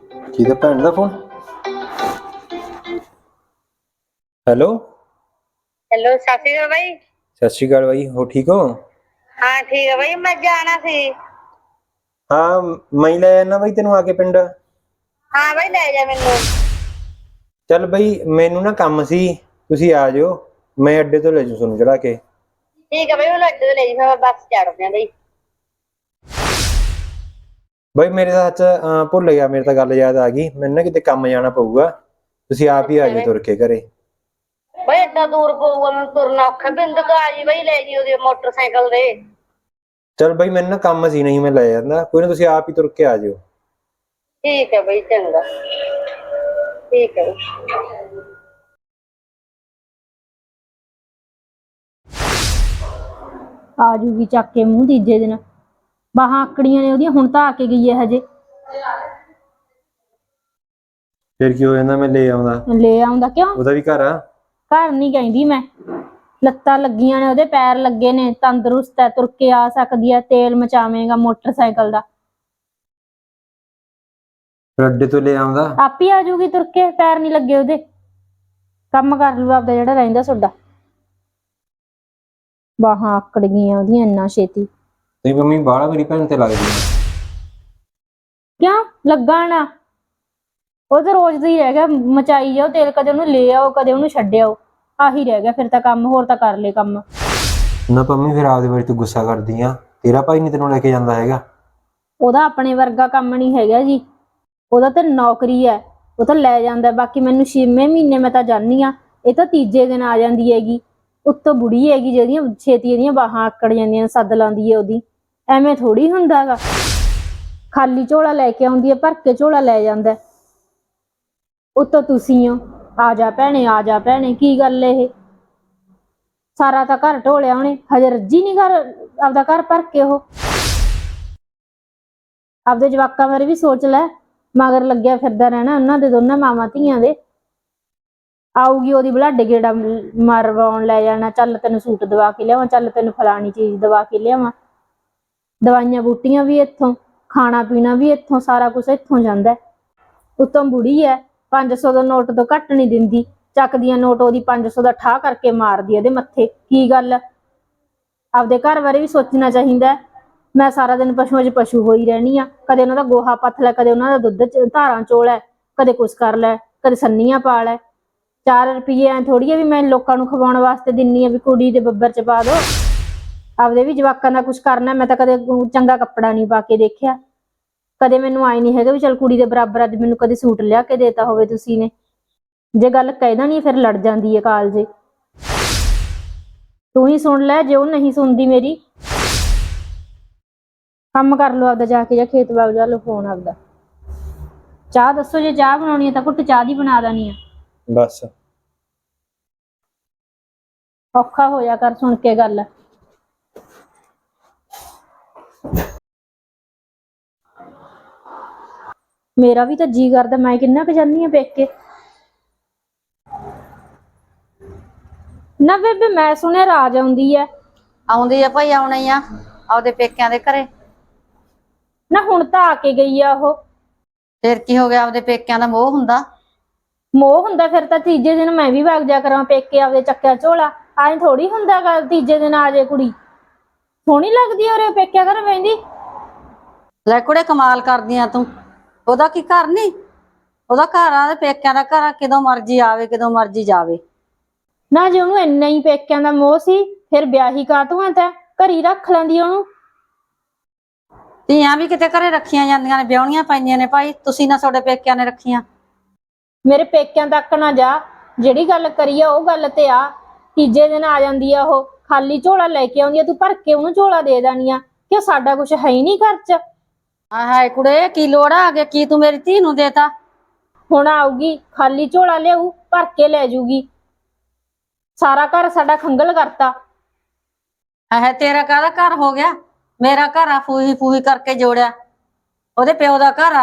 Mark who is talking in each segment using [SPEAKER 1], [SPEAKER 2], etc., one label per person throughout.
[SPEAKER 1] ਕਿਹਦਾ ਭੈਣ ਦਾ phone? Hello.
[SPEAKER 2] Hello सत श्री अकाल भाई।
[SPEAKER 1] ਸਤਿ ਸ਼੍ਰੀ ਅਕਾਲ ਬਾਈ, ਹੋ ਠੀਕ ਹੋ?
[SPEAKER 2] हाँ ठीक है भाई, मैं जाना सी।
[SPEAKER 1] ਹਾਂ, ਮੈਂ ਹੀ ਲੈ ਜਾਣਾ ਬਾਈ ਤੈਨੂੰ ਆ ਕੇ ਪਿੰਡ।
[SPEAKER 2] हाँ भाई ले जा मैनू।
[SPEAKER 1] ਚੱਲ ਬਾਈ, ਮੈਨੂੰ ਨਾ ਕੰਮ ਸੀ, ਤੁਸੀਂ ਆ ਜਾਓ, ਮੈਂ ਅੱਡੇ ਤੋਂ ਲੈ ਜੂ ਤੁਹਾਨੂੰ ਚੜਾ ਕੇ।
[SPEAKER 2] ठीक है भाई, मैं लड्डू ले जी, मैं बस चढ़ दियां भाई।
[SPEAKER 1] ਬਾਈ ਮੇਰੇ ਤਾਂ ਭੁੱਲ ਗਿਆ, ਮੇਰੇ ਤਾਂ ਗੱਲ ਯਾਦ ਆ ਗਈ, ਮੈਨੂੰ ਨਾ ਕਿਤੇ ਕੰਮ ਜਾਣਾ ਪਊਗਾ, ਤੁਸੀਂ ਆਪ ਹੀ ਆ
[SPEAKER 2] अच्छा
[SPEAKER 1] ਜਾਓ
[SPEAKER 2] भाई,
[SPEAKER 1] ਤੁਰ ਕੇ ਘਰੇ।
[SPEAKER 2] भाई इतना दूर पऊगा मैं तुरना औखा, बिंद का आ जी भाई, ले जी ओदे मोटरसाइकिल दे।
[SPEAKER 1] ਚੱਲ ਬਾਈ ਮੈਨੂੰ ਨਾ ਕੰਮ ਸੀ, ਨਹੀਂ ਮੈਂ ਲੈ ਜਾਂਦਾ, ਕੋਈ ਨਾ ਤੁਸੀਂ ਆਪ ਹੀ ਤੁਰ ਕੇ ਆ ਜਾਓ।
[SPEAKER 2] ठीक है भाई, चंगा ठीक है भाई।
[SPEAKER 3] ਆ ਜੂਗੀ ਚੱਕ ਕੇ ਮੂੰਹ ਤੀਜੇ ਦਿਨ। ਬਾਹਾਂ ਆਕੜੀਆਂ ਨੇ ਉਹਦੀਆਂ, ਹੁਣ ਤਾਂ ਆ ਕੇ ਗਈ ਹੈ ਹਜੇ।
[SPEAKER 1] ਫਿਰ ਕੀ ਹੋ ਜਾਂਦਾ, ਮੈਂ ਲੈ ਆਉਂਦਾ।
[SPEAKER 3] ਲੈ ਆਉਂਦਾ ਕਿਉਂ?
[SPEAKER 1] ਉਹਦਾ ਵੀ ਘਰ ਆ।
[SPEAKER 3] ਘਰ ਨਹੀਂ ਕਹਿੰਦੀ ਮੈਂ, ਲੱਤਾਂ ਲੱਗੀਆਂ ਨੇ ਉਹਦੇ, ਪੈਰ ਲੱਗੇ ਨੇ, ਤੰਦਰੁਸਤ ਹੈ, ਤੁਰ ਕੇ ਆ ਸਕਦੀ ਹੈ, ਤੇਲ ਮਚਾਵੇਂਗਾ ਮੋਟਰਸਾਈਕਲ ਦਾ।
[SPEAKER 1] ਫਿਰ ਅੱਡੇ ਤੋਂ ਲੈ ਆਉਂਦਾ।
[SPEAKER 3] ਆਪ ਹੀ ਆ ਜੂਗੀ ਤੁਰ ਕੇ, ਪੈਰ ਨਹੀਂ ਲੱਗੇ ਉਹਦੇ। ਕੰਮ ਕਰ ਲੂ ਆਪਦਾ ਜਿਹੜਾ ਰਹਿੰਦਾ ਤੁਹਾਡਾ। ਬਾਹਾਂ ਆਕੜ ਗਈਆਂ ਉਹਦੀਆਂ ਇੰਨਾ ਛੇਤੀ।
[SPEAKER 1] ਤੇ ਮੰਮੀ ਬਾਹਲਾ ਮੇਰੀ ਭੈਣ ਤੇ ਲੱਗਦੀ ਆ।
[SPEAKER 3] ਕਿਉਂ ਲੱਗਾ ਨਾ? ਉਹ ਤਾਂ ਰੋਜ਼ ਦਾ ਹੀ ਰਹਿ ਗਿਆ, ਮਚਾਈ ਜਾਓ ਤੇਲ, ਕਦੇ ਉਹਨੂੰ ਲੈ ਆਓ ਕਦੇ ਉਹਨੂੰ ਛੱਡ ਆਓ, ਆਹੀ ਰਹਿ ਗਿਆ ਫਿਰ ਤਾਂ ਕੰਮ। ਹੋਰ ਤਾਂ ਕਰ ਲੈ ਕੰਮ।
[SPEAKER 1] ਨਾ ਪੰਮੀ, ਫਿਰ ਆਪਦੇ ਵਾਰੀ ਤੂੰ ਗੁੱਸਾ ਕਰਦੀ ਆ, ਤੇਰਾ ਭਾਈ ਨਹੀਂ ਤੈਨੂੰ ਲੈ ਕੇ ਜਾਂਦਾ ਹੈਗਾ?
[SPEAKER 3] ਉਹਦਾ ਆਪਣੇ ਵਰਗਾ ਕੰਮ ਨਹੀਂ ਹੈਗਾ ਜੀ, ਉਹਦਾ ਤਾਂ ਨੌਕਰੀ ਹੈ, ਉਹ ਤਾਂ ਲੈ ਜਾਂਦਾ। ਬਾਕੀ ਮੈਨੂੰ 6ਵੇਂ ਮਹੀਨੇ ਮੈਂ ਤਾਂ ਜਾਂਦੀ ਆ, ਇਹ ਤਾਂ ਤੀਜੇ ਦਿਨ ਆ ਜਾਂਦੀ ਹੈਗੀ। ਉੱਤੋਂ ਬੁੜੀ ਹੈਗੀ ਜਿਹੜੀਆਂ ਛੇਤੀ ਇਹਦੀਆਂ ਬਾਹਾਂ ਆਕੜ ਜਾਂਦੀਆਂ, ਸੱਦ ਲਾਉਂਦੀ ਹੈ ਉਹਦੀ। ਐਵੇਂ ਥੋੜੀ ਹੁੰਦਾ ਗਾ, ਖਾਲੀ ਝੋਲਾ ਲੈ ਕੇ ਆਉਂਦੀ ਹੈ, ਭਰ ਕੇ ਝੋਲਾ ਲੈ ਜਾਂਦਾ। ਉੱਤੋਂ ਤੁਸੀਂ ਹੋ, ਆ ਜਾ ਭੈਣੇ ਆ ਜਾ ਭੈਣੇ, ਕੀ ਗੱਲ ਇਹ? ਸਾਰਾ ਤਾਂ ਘਰ ਢੋਲਿਆ ਉਹਨੇ, ਹਜੇ ਰੱਜੀ ਨਹੀਂ ਘਰ ਆਪਦਾ ਘਰ ਭਰ ਕੇ। ਉਹ ਆਪਦੇ ਜਵਾਕਾਂ ਬਾਰੇ ਵੀ ਸੋਚ ਲੈ, ਮਗਰ ਲੱਗਿਆ ਫਿਰਦਾ ਰਹਿਣਾ ਉਹਨਾਂ ਦੇ, ਦੋਨਾਂ ਮਾਵਾਂ ਧੀਆਂ ਦੇ। ਆਊਗੀ ਉਹਦੀ ਬਲਾਡੇ ਗੇੜਾ ਮਰਵਾਉਣ ਲੈ ਜਾਣਾ, ਚੱਲ ਤੈਨੂੰ ਸੂਟ ਦਵਾ ਕੇ ਲਿਆਵਾਂ, ਚੱਲ ਤੈਨੂੰ ਫਲਾਣੀ ਚੀਜ਼ ਦਵਾ ਕੇ ਲਿਆਵਾਂ। ਦਵਾਈਆਂ ਬੂਟੀਆਂ ਵੀ ਇੱਥੋਂ, ਖਾਣਾ ਪੀਣਾ ਵੀ ਇੱਥੋਂ, ਸਾਰਾ ਕੁਛ ਇੱਥੋਂ ਜਾਂਦਾ। ਉੱਤੋਂ ਬੁੜੀ ਐ, 500 ਦਾ ਨੋਟ ਤੋਂ ਘੱਟ ਨਹੀਂ ਦਿੰਦੀ, ਚੱਕਦੀਆਂ ਨੋਟ ਉਹਦੀ 500 ਦਾ ਠਾਹ ਕਰਕੇ ਮਾਰਦੀ ਇਹਦੇ ਮੱਥੇ। ਕੀ ਗੱਲ? ਆਪਦੇ ਘਰ ਬਾਰੇ ਵੀ ਸੋਚਣਾ ਚਾਹੀਦਾ। ਮੈਂ ਸਾਰਾ ਦਿਨ ਪਸ਼ੂਆਂ 'ਚ ਪਸ਼ੂ ਹੋਈ ਰਹਿਣੀ ਆ, ਕਦੇ ਉਹਨਾਂ ਦਾ ਗੋਹਾ ਪੱਥ ਲੈ, ਕਦੇ ਉਹਨਾਂ ਦਾ ਦੁੱਧ ਧਾਰਾਂ ਚੋ ਲੈ, ਕਦੇ ਕੁਛ ਕਰ ਲੈ, ਕਦੇ ਸੰਨੀਆਂ ਪਾ ਲੈ। 4 ਰੁਪਈਏ ਐ ਥੋੜੀ ਆ ਵੀ ਮੈਂ ਲੋਕਾਂ ਨੂੰ ਖਵਾਉਣ ਵਾਸਤੇ ਦਿੰਨੀ ਆ ਵੀ ਕੁੜੀ ਦੇ ਬੱਬਰ 'ਚ ਪਾ ਦੋ। ਆਪਦੇ ਵੀ ਜਵਾਕਾਂ ਦਾ ਕੁਛ ਕਰਨਾ। ਮੈਂ ਤਾਂ ਕਦੇ ਚੰਗਾ ਕੱਪੜਾ ਨਹੀਂ ਪਾ ਕੇ ਦੇਖਿਆ, ਕਦੇ ਮੈਨੂੰ ਆਏ ਨਹੀਂ ਹੈਗਾ ਵੀ ਚੱਲ ਕੁੜੀ ਦੇ ਬਰਾਬਰ ਅੱਜ ਮੈਨੂੰ ਕਦੇ ਸੂਟ ਲਿਆ ਕੇ ਦੇਤਾ ਹੋਵੇ ਤੁਸੀਂ ਨੇ। ਜੇ ਗੱਲ ਕਹਿਦਾ ਨਹੀਂ ਫਿਰ ਲੜ ਜਾਂਦੀ ਹੈ ਕਾਲਜੇ। ਤੂੰ ਹੀ ਸੁਣ ਲੈ, ਜੇ ਉਹ ਨਹੀਂ ਸੁਣਦੀ ਮੇਰੀ। ਕੰਮ ਕਰ ਲਓ ਆਪਦਾ ਜਾ ਕੇ, ਜਾਂ ਖੇਤ ਬਾਗ ਜਾ ਲਓ। ਫੋਨ ਆਪਦਾ। ਚਾਹ ਦੱਸੋ, ਜੇ ਚਾਹ ਬਣਾਉਣੀ ਹੈ ਤਾਂ ਘੁੱਟ ਚਾਹ ਦੀ ਬਣਾ ਦੇਣੀ ਆ।
[SPEAKER 1] ਬਸ
[SPEAKER 3] ਔਖਾ ਹੋਇਆ ਕਰ ਸੁਣ ਕੇ ਗੱਲ। ਮੇਰਾ ਵੀ ਤਾਂ ਜੀ ਕਰਦਾ, ਮੈਂ ਕਿੰਨਾ ਕੁ ਜਾਂਦੀ ਆ ਪੇਕੇ। ਨਾ ਬੇਬੇ, ਮੈਂ ਸੁਣਿਆ ਰਾਜ ਆਉਂਦੀ ਐ।
[SPEAKER 4] ਆਉਂਦੀ ਆ ਭਾਈ, ਆਉਣਾ ਹੀ ਆ ਆਪਦੇ ਪੇਕਿਆਂ ਦੇ ਘਰੇ।
[SPEAKER 3] ਨਾ ਹੁਣ ਤਾਂ ਆ ਕੇ ਗਈ ਆ ਉਹ।
[SPEAKER 4] ਫਿਰ ਕੀ ਹੋ ਗਿਆ? ਆਪਦੇ ਪੇਕਿਆਂ ਦਾ ਮੋਹ ਹੁੰਦਾ।
[SPEAKER 3] ਮੋਹ ਹੁੰਦਾ ਫਿਰ ਤਾਂ ਤੀਜੇ ਦਿਨ ਮੈਂ ਵੀ ਵਗ ਜਾ ਕਰਾਂ ਪੇਕੇ ਆਪਦੇ, ਚੱਕਿਆ ਝੋਲਾ। ਐਂ ਥੋੜੀ ਹੁੰਦਾ ਗਾ ਤੀਜੇ ਦਿਨ ਆ ਜੇ ਕੁੜੀ। ਸੋਹਣੀ ਲੱਗਦੀ ਔਰ ਪੇਕਿਆ ਘਰ ਬਹਿੰਦੀ।
[SPEAKER 4] ਲੈ ਕੁੜੇ, ਕਮਾਲ ਕਰਦੀ ਆ ਤੂੰ। ਉਹਦਾ ਕੀ ਘਰ ਨੀ? ਉਹਦਾ ਘਰ ਆ, ਤੇ ਪੇਕਿਆਂ ਦਾ ਘਰ ਆ, ਕਦੋਂ ਮਰਜੀ ਆਵੇ ਕਦੋਂ ਮਰਜੀ ਜਾਵੇ।
[SPEAKER 3] ਨਾ ਜੇ ਉਹਨੂੰ ਇੰਨਾ ਹੀ ਪੇਕਿਆਂ ਦਾ ਮੋਹ ਸੀ, ਫਿਰ ਵਿਆਹੀ ਕਾਹਤੋਂ ਆ? ਤਾਂ ਘਰੀ ਰੱਖ ਲੈਂਦੀ ਉਹਨੂੰ।
[SPEAKER 4] ਧੀਆਂ ਵੀ ਕਿਤੇ ਘਰੇ ਰੱਖੀਆਂ ਜਾਂਦੀਆਂ ਨੇ, ਵਿਆਹੁਣੀਆਂ ਪੈਂਦੀਆਂ ਨੇ ਭਾਈ। ਤੁਸੀਂ ਨਾ ਤੁਹਾਡੇ ਪੇਕਿਆਂ ਨੇ ਰੱਖੀਆਂ।
[SPEAKER 3] ਮੇਰੇ ਪੇਕਿਆਂ ਤੱਕ ਨਾ ਜਾ, ਜਿਹੜੀ ਗੱਲ ਕਰੀ ਆ ਉਹ ਗੱਲ ਤੇ ਆ। ਤੀਜੇ ਦਿਨ ਆ ਜਾਂਦੀ ਆ ਉਹ, ਖਾਲੀ ਝੋਲਾ ਲੈ ਕੇ ਆਉਂਦੀ ਆ, ਤੂੰ ਭਰ ਕੇ ਉਹਨੂੰ ਝੋਲਾ ਦੇ ਦੇਣੀ ਆ ਕਿ ਸਾਡਾ ਕੁਛ ਹੈ ਹੀ ਨਹੀਂ ਘਰ 'ਚ।
[SPEAKER 4] ਹਾਏ ਕੁੜੇ, ਕੀ ਲੋੜ ਆ ਗਿਆ? ਕੀ ਤੂੰ ਮੇਰੀ ਧੀ ਨੂੰ ਦੇਤਾ?
[SPEAKER 3] ਹੁਣ ਆਊਗੀ, ਖਾਲੀ ਝੋਲਾ ਲਿਆਊ, ਭਰ ਕੇ ਲੈ ਜੂਗੀ। ਸਾਰਾ ਘਰ ਸਾਡਾ ਖੰਗਲ ਕਰਤਾ।
[SPEAKER 4] ਹਾਏ, ਤੇਰਾ ਕਾਹਦਾ ਘਰ ਹੋ ਗਿਆ? ਮੇਰਾ ਘਰ ਆ, ਫੂਹੀ ਫੂਹੀ ਕਰਕੇ ਜੋੜਿਆ। ਉਹਦੇ ਪਿਓ ਦਾ ਘਰ ਆ।